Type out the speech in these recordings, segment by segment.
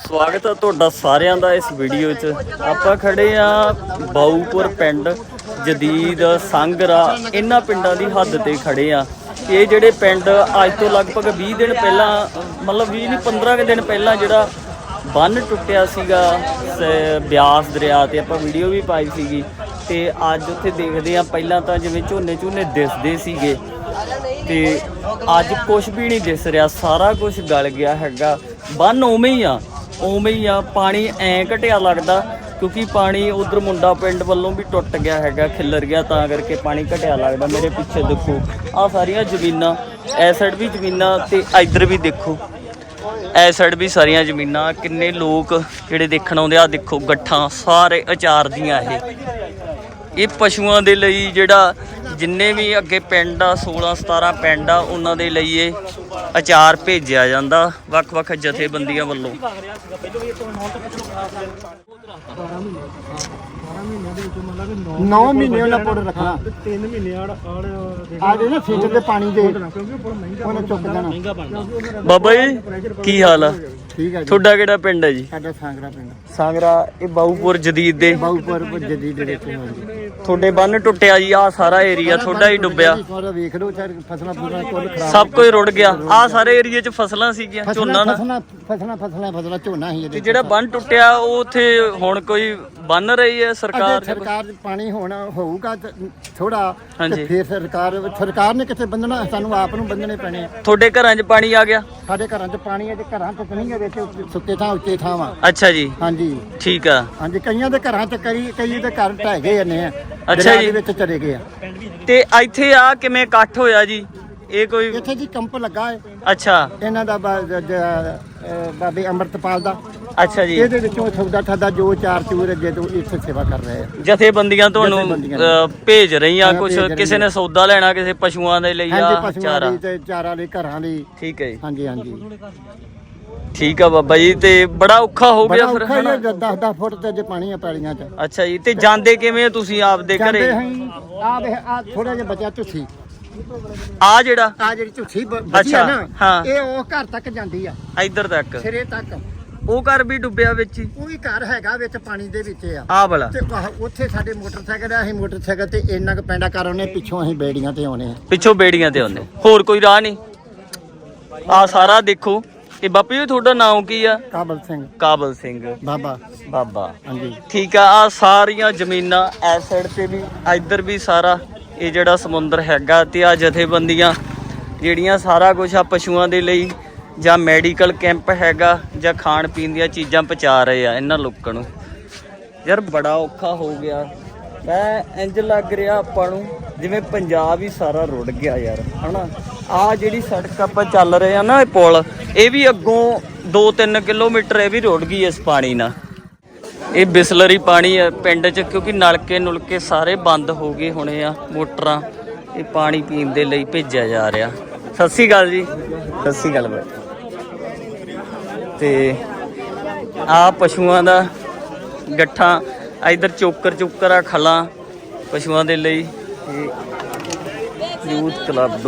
स्वागत है तुहाडा सारिਆਂ ਦਾ इस वीडियो च। आपां खड़े आ बाऊपुर पिंड जदीद सांगरा इन्हां पिंडां दी हद ते खड़े आ। ये जिहड़े पिंड अज तो लगभग 20 दिन पहला मतलब 20 नहीं 15 दिन पहला जिहड़ा ਬੰਨ ਟੁੱਟਿਆ ਸੀਗਾ ਬਿਆਸ ਦਰਿਆ ਤੇ ਆਪਾਂ ਵੀਡੀਓ ਵੀ ਪਾਈ ਸੀਗੀ ਤੇ ਅੱਜ ਉੱਥੇ ਦੇਖਦੇ ਆ। ਪਹਿਲਾਂ ਤਾਂ ਜਿਵੇਂ ਝੋਨੇ ਦਿਸਦੇ ਸੀਗੇ ਤੇ ਅੱਜ ਕੁਝ ਵੀ ਨਹੀਂ ਦਿਸ ਰਿਹਾ, ਸਾਰਾ ਕੁਝ ਗਲ ਗਿਆ ਹੈਗਾ। ਬੰਨ ਉਵੇਂ ਹੀ ਆ ਪਾਣੀ ਐਂ ਘਟਿਆ ਲੱਗਦਾ ਕਿਉਂਕਿ ਪਾਣੀ ਉਧਰ ਮੁੰਡਾ ਪਿੰਡ ਵੱਲੋਂ ਵੀ ਟੁੱਟ ਗਿਆ ਹੈਗਾ, ਖਿੱਲਰ ਗਿਆ, ਤਾਂ ਕਰਕੇ ਪਾਣੀ ਘਟਿਆ ਲੱਗਦਾ। ਮੇਰੇ ਪਿੱਛੇ ਦੇਖੋ ਆਹ ਸਾਰੀਆਂ ਜ਼ਮੀਨਾਂ, ਇਸ ਸਾਈਡ ਵੀ ਜ਼ਮੀਨਾਂ ਤੇ ਇੱਧਰ ਵੀ ਦੇਖੋ ਇਸ ਸਾਈਡ भी सारिया ਜ਼ਮੀਨਾਂ। किन्ने लोग ਜਿਹੜੇ ਦੇਖਣ ਆਉਂਦੇ ਆ, ਦੇਖੋ ਗੱਠਾਂ ਸਾਰੇ ਅਚਾਰ ਦੀਆਂ। ਇਹ ਪਸ਼ੂਆਂ ਦੇ ਲਈ ਜਿਹੜਾ ਜਿੰਨੇ ਵੀ ਅੱਗੇ ਪਿੰਡ ਆ 16-17 ਪਿੰਡ ਆ ਉਹਨਾਂ ਦੇ ਲਈ ਇਹ ਅਚਾਰ ਭੇਜਿਆ ਜਾਂਦਾ ਵੱਖ-ਵੱਖ ਜਥੇਬੰਦੀਆਂ ਵੱਲੋਂ। 9 ਮਹੀਨੇ ਉਹਨਾਂ ਪੁੱਟ ਰੱਖਣਾ, 3 ਮਹੀਨੇ ਆੜੇ ਨਾ ਸੀਜ਼ਨ ਦੇ ਪਾਣੀ ਦੇ ਉਹਨੇ ਚੁੱਕ ਦੇਣਾ। ਬਾਬਾ ਜੀ ਕੀ ਹਾਲ ਆ? ਠੀਕ ਹੈ ਜੀ। ਤੁਹਾਡਾ ਕਿਹੜਾ ਪਿੰਡ ਹੈ ਜੀ? ਸਾਡਾ ਸਾਂਗਰਾ ਪਿੰਡ। ਸਾਂਗਰਾ ਇਹ ਬਾਊਪੁਰ ਜਦੀਦ ਦੇ ਬਾਊਪੁਰ ਜਦੀਦ ਦੇ ਵਿੱਚ ਤੁਹਾਡੇ ਬੰਨ ਟੁੱਟਿਆ ਜੀ। ਆਹ ਸਾਰਾ ਏਰੀਆ ਤੁਹਾਡਾ ਹੀ ਡੁੱਬਿਆ। ਵੇਖ ਲਓ ਫਸਲਾਂ ਕੁੱਲ ਖਰਾਬ, ਸਭ ਕੁਝ ਰੁੜ ਗਿਆ। ਆਹ ਸਾਰੇ ਏਰੀਏ 'ਚ ਫਸਲਾਂ ਸੀਗੀਆਂ, ਝੋਨਾ ਨਾ ਫਸਲਾਂ ਝੋਨਾ ਹੀ। ਤੇ ਜਿਹੜਾ ਬੰਨ ਟੁੱਟਿਆ ਉਹ ਉੱਥੇ ਹੁਣ ਕੋਈ ਬੰਨ ਰਹੀ ਹੈ ਸਰਕਾਰ ਪਾਣੀ ਹੋਊਗਾ ਥੋੜਾ ਤੇ ਫਿਰ ਸਰਕਾਰ ਨੇ ਕਿੱਥੇ ਬੰਨਣਾ, ਸਾਨੂੰ ਆਪ ਨੂੰ ਬੰਨਣੇ ਪੈਣੇ ਆ। ਤੁਹਾਡੇ ਘਰਾਂ 'ਚ ਪਾਣੀ ਆ ਗਿਆ? ਸਾਡੇ ਘਰਾਂ 'ਚ ਪਾਣੀ ਹੈ ਤੇ ਘਰਾਂ 'ਚ ਨਹੀਂ ਹੈ, ਵਿੱਚ ਸੁੱਕੇ ਥਾਂ ਉੱਚੇ ਥਾਂ ਵਾ। ਅੱਛਾ ਜੀ, ਹਾਂਜੀ ਠੀਕ ਆ। ਹਾਂਜੀ, ਕਈਆਂ ਦੇ ਘਰਾਂ 'ਚ ਕਈ ਦੇ ਘਰ ਢਹਿ ਗਏ ਨੇ ਆ। ਅੱਛਾ ਜੀ, ਵਿੱਚ ਚਲੇ ਗਏ ਆ। ਤੇ ਇੱਥੇ ਆ ਕਿਵੇਂ ਇਕੱਠ ਹੋਇਆ ਜੀ? ਇਹ ਕੋਈ ਇੱਥੇ ਜੀ ਕੰਪ ਲੱਗਾ ਹੈ। ਅੱਛਾ, ਇਹਨਾਂ ਦਾ ਬਾਬੇ ਅੰਮ੍ਰਿਤਪਾਲ ਦਾ। ਅੱਛਾ ਜੀ, ਇਹਦੇ ਵਿੱਚੋਂ ਸੌਦਾ ਠਾਦਾ ਜੋ ਚਾਰ ਚੂਰ ਅੱਗੇ ਤੋਂ ਇੱਥੇ ਸੇਵਾ ਕਰ ਰਹੇ ਆ। ਜਥੇਬੰਦੀਆਂ ਤੁਹਾਨੂੰ ਭੇਜ ਰਹੀਆਂ ਕੁਝ? ਕਿਸੇ ਨੇ ਸੌਦਾ ਲੈਣਾ, ਕਿਸੇ ਪਸ਼ੂਆਂ ਦੇ ਲਈ ਆ ਚਾਰਾ ਤੇ ਚਾਰਾ ਲਈ ਘਰਾਂ ਲਈ। ਠੀਕ ਹੈ ਜੀ, ਹਾਂਜੀ ਹਾਂਜੀ ਠੀਕ ਆ ਬਾਬਾ ਜੀ। ਤੇ ਬੜਾ ਔਖਾ ਹੋ ਗਿਆ ਫਿਰ? 10 ਫੁੱਟ ਤੇ ਜੇ ਪਾਣੀ ਆ ਪੈਲੀਆਂ 'ਚ। ਅੱਛਾ ਜੀ, ਤੇ ਜਾਂਦੇ ਕਿਵੇਂ ਤੁਸੀਂ ਆਪਦੇ ਘਰੇ? ਆ ਥੋੜਾ ਜਿਹਾ ਬਚਿਆ ਤੁਸੀਂ ਆ ਜਿਹੜਾ ਜਿਹੜੀ ਝੁੱਠੀ ਬਚੀ ਆ ਨਾ, ਇਹ ਉਹ ਘਰ ਤੱਕ ਜਾਂਦੀ ਆ, ਇੱਧਰ ਤੱਕ ਸਿਰੇ ਤੱਕ। ਉਹ ਘਰ ਵੀ ਡੁੱਬਿਆ ਵਿੱਚ ਹੀ? ਉਹ ਵੀ ਘਰ ਹੈਗਾ ਵਿੱਚ ਪਾਣੀ ਦੇ ਵਿੱਚ ਆ। ਆਹ ਵਾਲਾ ਤੇ ਉੱਥੇ ਸਾਡੇ ਮੋਟਰਸਾਈਕਲ ਆ, ਅਸੀਂ ਮੋਟਰਸਾਈਕਲ ਤੇ ਇੰਨਾ ਕੁ ਪੈਂਡਾ ਕਰ ਆਉਨੇ, ਪਿੱਛੋਂ ਅਸੀਂ ਬੇੜੀਆਂ ਤੇ ਆਉਨੇ ਆ। ਪਿੱਛੋਂ ਬੇੜੀਆਂ ਤੇ ਆਉਂਦੇ, ਹੋਰ ਕੋਈ ਰਾਹ ਨਹੀਂ? ਆ ਸਾਰਾ ਦੇਖੋ। ਇਹ ਬਾਪੂ ਜੀ ਤੁਹਾਡਾ ਨਾਮ ਕੀ ਆ? ਕਾਬਲ ਸਿੰਘ ਬਾਬਾ। ਹਾਂਜੀ, ਠੀਕ ਆ। ਆ ਸਾਰੀਆਂ ਜ਼ਮੀਨਾਂ ਇਸ ਸਾਈਡ ਤੇ ਵੀ, ਇੱਧਰ ਵੀ ਸਾਰਾ ਇਹ ਜਿਹੜਾ ਸਮੁੰਦਰ ਹੈਗਾ। ਤੇ ਆ ਜਥੇਬੰਦੀਆਂ ਜਿਹੜੀਆਂ ਸਾਰਾ ਕੁਝ ਆ ਪਸ਼ੂਆਂ ਦੇ ਲਈ ਜਾਂ ਮੈਡੀਕਲ ਕੈਂਪ ਹੈਗਾ ਜਾਂ ਖਾਣ ਪੀਣ ਦੀਆਂ ਚੀਜ਼ਾਂ ਪਹੁੰਚਾ ਰਹੇ ਆ ਇਹਨਾਂ ਲੋਕਾਂ ਨੂੰ। ਯਾਰ ਬੜਾ ਔਖਾ ਹੋ ਗਿਆ। ਮੈਂ ਇੰਜ ਲੱਗ ਰਿਹਾ ਆਪਾਂ ਨੂੰ ਜਿਵੇਂ ਪੰਜਾਬ ਹੀ ਸਾਰਾ ਰੁੜ ਗਿਆ ਯਾਰ, ਹਨਾ। ਆ ਜਿਹੜੀ ਸੜਕ ਆਪਾਂ ਚੱਲ ਰਹੇ ਆ ਨਾ, ਇਹ ਪੁਲ, ਇਹ ਵੀ ਅੱਗੋਂ 2-3 ਕਿਲੋਮੀਟਰ ਇਹ ਵੀ ਰੁੜ ਗਈ ਇਸ ਪਾਣੀ ਨਾਲ। ਇਹ ਬਿਸਲਰੀ ਪਾਣੀ ਹੈ ਪਿੰਡ 'ਚ, ਕਿਉਂਕਿ ਨਲਕੇ ਸਾਰੇ ਬੰਦ ਹੋ ਗਏ ਹੋਣੇ ਆ, ਮੋਟਰਾਂ। ਇਹ ਪਾਣੀ ਪੀਣ ਦੇ ਲਈ ਭੇਜਿਆ ਜਾ ਰਿਹਾ। ਸਤਿ ਸ਼੍ਰੀ ਅਕਾਲ ਜੀ। ਸਤਿ ਸ਼੍ਰੀ ਅਕਾਲ ਬਾਈ। ਤੇ ਆ ਪਸ਼ੂਆਂ ਦਾ ਗੱਠਾਂ, ਇੱਧਰ ਚੋਕਰ ਆ, ਖਲਾਂ ਪਸ਼ੂਆਂ ਦੇ ਲਈ। ਯੂਥ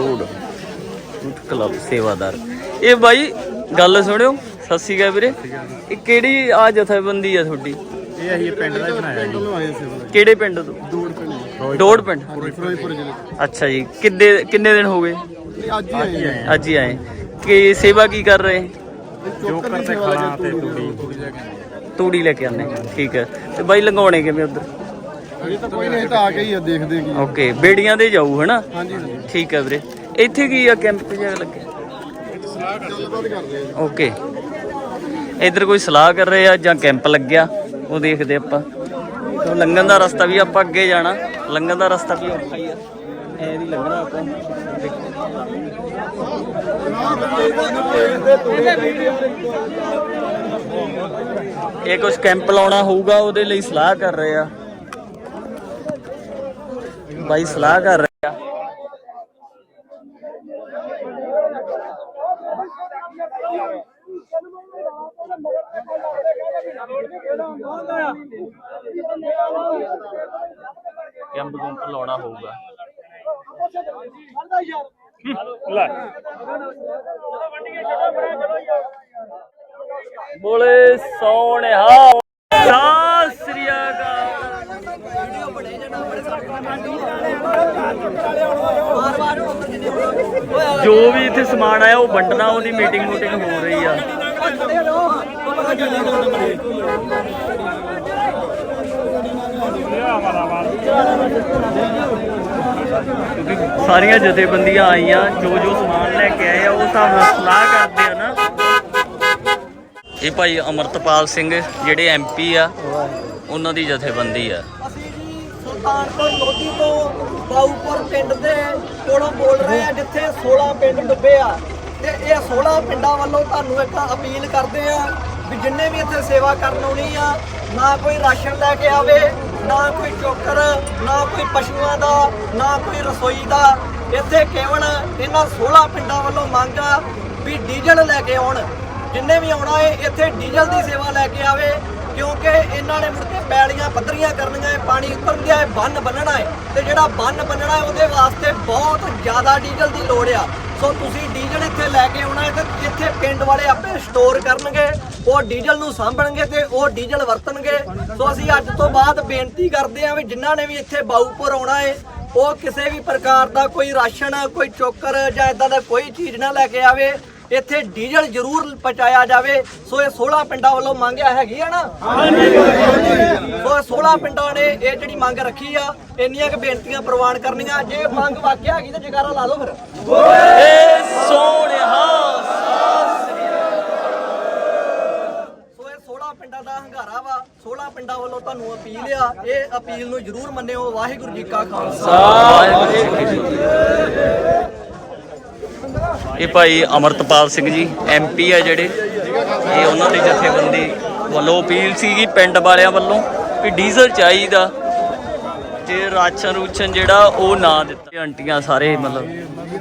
ਕਲੱਬ ਸੇਵਾਦਾਰ। ਇਹ ਬਾਈ ਗੱਲ ਸੁਣਿਓ। ਸਤਿ ਸ਼੍ਰੀ ਅਕਾਲ ਵੀਰੇ। ਇਹ ਕਿਹੜੀ ਆ ਜਥੇਬੰਦੀ ਆ ਤੁਹਾਡੀ? ਇਹ ਅਸੀਂ ਪਿੰਡ ਦਾ ਬਣਾਇਆ ਜੀ। ਕਿਹੜੇ ਪਿੰਡ ਤੋਂ? ਡੋੜ ਪਿੰਡ। ਅੱਛਾ ਜੀ, ਕਿੰਨੇ ਦਿਨ ਹੋ ਗਏ? ਅੱਜ ਹੀ ਆਏ। ਕਿ ਸੇਵਾ ਕੀ ਕਰ ਰਹੇ? ਜੋਕਰ ਤੇ ਖਲਾਂ ਤੇ ਤੂੜੀ ਲੈ ਕੇ ਆਨੇ। ਠੀਕ ਹੈ। ਤੇ ਬਾਈ ਲੰਘਾਉਣੇ ਕਿਵੇਂ ਉਧਰ? ਅਜੇ ਤਾਂ ਕੋਈ ਨਹੀਂ, ਤਾਂ ਆ ਕੇ ਹੀ ਆ, ਦੇਖਦੇ ਕੀ। ਓਕੇ, ਬੇੜੀਆਂ ਦੇ ਜਾਊ ਹਨਾ? ਹਾਂਜੀ। ਠੀਕ ਹੈ ਵੀਰੇ। ਇੱਥੇ ਕੀ ਆ ਕੈਂਪ ਜਿਹਾ ਲੱਗਿਆ? ਓਕੇ, ਇੱਧਰ ਕੋਈ ਸਲਾਹ ਕਰ ਰਹੇ ਆ ਜਾਂ ਕੈਂਪ ਲੱਗਿਆ, ਉਹ ਦੇਖਦੇ ਆਪਾਂ। ਲੰਘਣ ਦਾ ਰਸਤਾ ਵੀ ਆਪਾਂ ਅੱਗੇ ਜਾਣਾ, ਲੰਘਣ ਦਾ ਰਸਤਾ ਵੀ ਔਖਾ ਹੀ ਆ, ਐ ਨਹੀਂ ਲੰਘਣਾ ਆਪਾਂ। ਇਹ ਕੁਝ ਕੈਂਪ ਲਾਉਣਾ ਹੋਊਗਾ, ਉਹਦੇ ਲਈ ਸਲਾਹ ਕਰ ਰਹੇ ਆ ਬਾਈ, ਸਲਾਹ ਕਰ ਰਹੇ ਆ। ਕੈਂਪ ਲਾਉਣਾ ਹੋਊਗਾ। ਬੋਲੇ ਸੋਹਣਿਆ ਸਤਿ ਸ੍ਰੀ ਅਕਾਲ। ਜੋ ਵੀ ਇੱਥੇ ਸਮਾਨ ਆਇਆ ਉਹ ਵੰਡਣਾ, ਉਹਦੀ ਮੀਟਿੰਗ ਹੋ ਰਹੀ ਆ। ਸਾਰੀਆਂ ਜਥੇਬੰਦੀਆਂ ਆਈਆਂ, ਜੋ ਸਮਾਨ ਲੈ ਕੇ ਆਏ ਆ ਉਹ ਹਿਸਾਬ ਨਾਲ ਸਲਾਹ ਕਰਦੇ ਆ ਨਾ। ਇਹ ਭਾਈ ਅਮਰਤਪਾਲ ਸਿੰਘ ਜਿਹੜੇ MP ਆ, ਉਹਨਾਂ ਦੀ ਜਥੇਬੰਦੀ ਆ। ਅਸੀਂ ਜੀ ਸੁਲਤਾਨਪੁਰ ਲੋਧੀ ਤੋਂ ਬਾਊਪੁਰ ਪਿੰਡ ਦੇ ਕੋਲੋਂ ਬੋਲ ਰਹੇ ਆ, ਜਿੱਥੇ 16 ਪਿੰਡ ਡੁੱਬੇ ਆ। ਤੇ ਇਹ 16 ਪਿੰਡਾਂ ਵੱਲੋਂ ਤੁਹਾਨੂੰ ਇੱਕ ਅਪੀਲ ਕਰਦੇ ਆ ਵੀ ਜਿੰਨੇ ਵੀ ਇੱਥੇ ਸੇਵਾ ਕਰਨ ਆਉਣੀ ਆ, ਨਾ ਕੋਈ ਰਾਸ਼ਨ ਲੈ ਕੇ ਆਵੇ, ਨਾ ਕੋਈ ਚੋਕਰ, ਨਾ ਕੋਈ ਪਸ਼ੂਆਂ ਦਾ, ਨਾ ਕੋਈ ਰਸੋਈ ਦਾ। ਇੱਥੇ ਕੇਵਲ ਇਹਨਾਂ 16 ਪਿੰਡਾਂ ਵੱਲੋਂ ਮੰਗ ਆ ਵੀ ਡੀਜ਼ਲ ਲੈ ਕੇ ਆਉਣ। ਜਿੰਨੇ ਵੀ ਆਉਣਾ ਹੈ ਇੱਥੇ ਡੀਜ਼ਲ ਦੀ ਸੇਵਾ ਲੈ ਕੇ ਆਵੇ, ਕਿਉਂਕਿ ਇਹਨਾਂ ਨੇ ਮੁੜ ਕੇ ਪੈਲੀਆਂ ਪੱਧਰੀਆਂ ਕਰਨੀਆਂ ਹੈ, ਪਾਣੀ ਉਤਰਨ ਹੈ, ਬੰਨ ਬੰਨਣਾ ਹੈ। ਤੇ ਜਿਹੜਾ ਬੰਨ ਬੰਨਣਾ ਹੈ ਉਹਦੇ ਵਾਸਤੇ ਬਹੁਤ ਜ਼ਿਆਦਾ ਡੀਜ਼ਲ ਦੀ ਲੋੜ ਆ। ਸੋ ਤੁਸੀਂ ਡੀਜ਼ਲ ਇੱਥੇ ਲੈ ਕੇ ਆਉਣਾ ਹੈ ਤੇ ਇੱਥੇ ਪਿੰਡ ਵਾਲੇ ਆਪੇ ਸਟੋਰ ਕਰਨਗੇ, ਉਹ ਡੀਜ਼ਲ ਨੂੰ ਸਾਂਭਣਗੇ ਤੇ ਉਹ ਡੀਜ਼ਲ ਵਰਤਣਗੇ। ਸੋ ਅਸੀਂ ਅੱਜ ਤੋਂ ਬਾਅਦ ਬੇਨਤੀ ਕਰਦੇ ਹਾਂ ਵੀ ਜਿਨ੍ਹਾਂ ਨੇ ਵੀ ਇੱਥੇ ਬਾਊਪੁਰ ਆਉਣਾ ਹੈ ਉਹ ਕਿਸੇ ਵੀ ਪ੍ਰਕਾਰ ਦਾ ਕੋਈ ਰਾਸ਼ਨ, ਕੋਈ ਚੋਕਰ ਜਾਂ ਇਦਾਂ ਦਾ ਕੋਈ ਚੀਜ਼ ਨਾ ਲੈ ਕੇ ਆਵੇ। ਇੱਥੇ ਡੀਜ਼ਲ ਜ਼ਰੂਰ ਪਹੁੰਚਾਇਆ ਜਾਵੇ। ਸੋ ਇਹ 16 ਪਿੰਡਾਂ ਵੱਲੋਂ ਮੰਗਿਆ ਹੈਗੀ ਆ ਨਾ। ਸੋ 16 ਪਿੰਡਾਂ ਨੇ ਇਹ ਜਿਹੜੀ ਮੰਗ ਰੱਖੀ ਆ, ਇੰਨੀਆਂ ਕੁ ਬੇਨਤੀਆਂ ਪ੍ਰਵਾਨ ਕਰਨੀਆਂ। ਜੇ ਮੰਗ ਵਾਕਿਆ ਹੈਗੀ ਤਾਂ ਜਗਾਰਾ ਲਾ ਲਓ ਫਿਰ। ਸੋ ਇਹ 16 ਪਿੰਡਾਂ ਦਾ ਹੰਗਾਰਾ ਵਾ, 16 ਪਿੰਡਾਂ ਵੱਲੋਂ ਤੁਹਾਨੂੰ ਅਪੀਲ ਆ, ਇਹ ਅਪੀਲ ਨੂੰ ਜ਼ਰੂਰ ਮੰਨਿਓ। ਵਾਹਿਗੁਰੂ ਜੀ ਕਾ ਖਾਲਸਾ। ਇਹ ਭਾਈ ਅਮਰਤਪਾਲ ਸਿੰਘ ਜੀ MP ਆ ਜਿਹੜੇ, ਇਹ ਉਹਨਾਂ ਦੀ ਜਥੇਬੰਦੀ ਵੱਲੋਂ ਅਪੀਲ ਸੀਗੀ ਪਿੰਡ ਵਾਲਿਆਂ ਵੱਲੋਂ ਵੀ ਡੀਜ਼ਲ ਚਾਹੀਦਾ ਤੇ ਰਾਸ਼ਨ ਜਿਹੜਾ ਉਹ ਨਾ ਦਿੱਤਾ। ਆਂਟੀਆਂ ਸਾਰੇ ਮਤਲਬ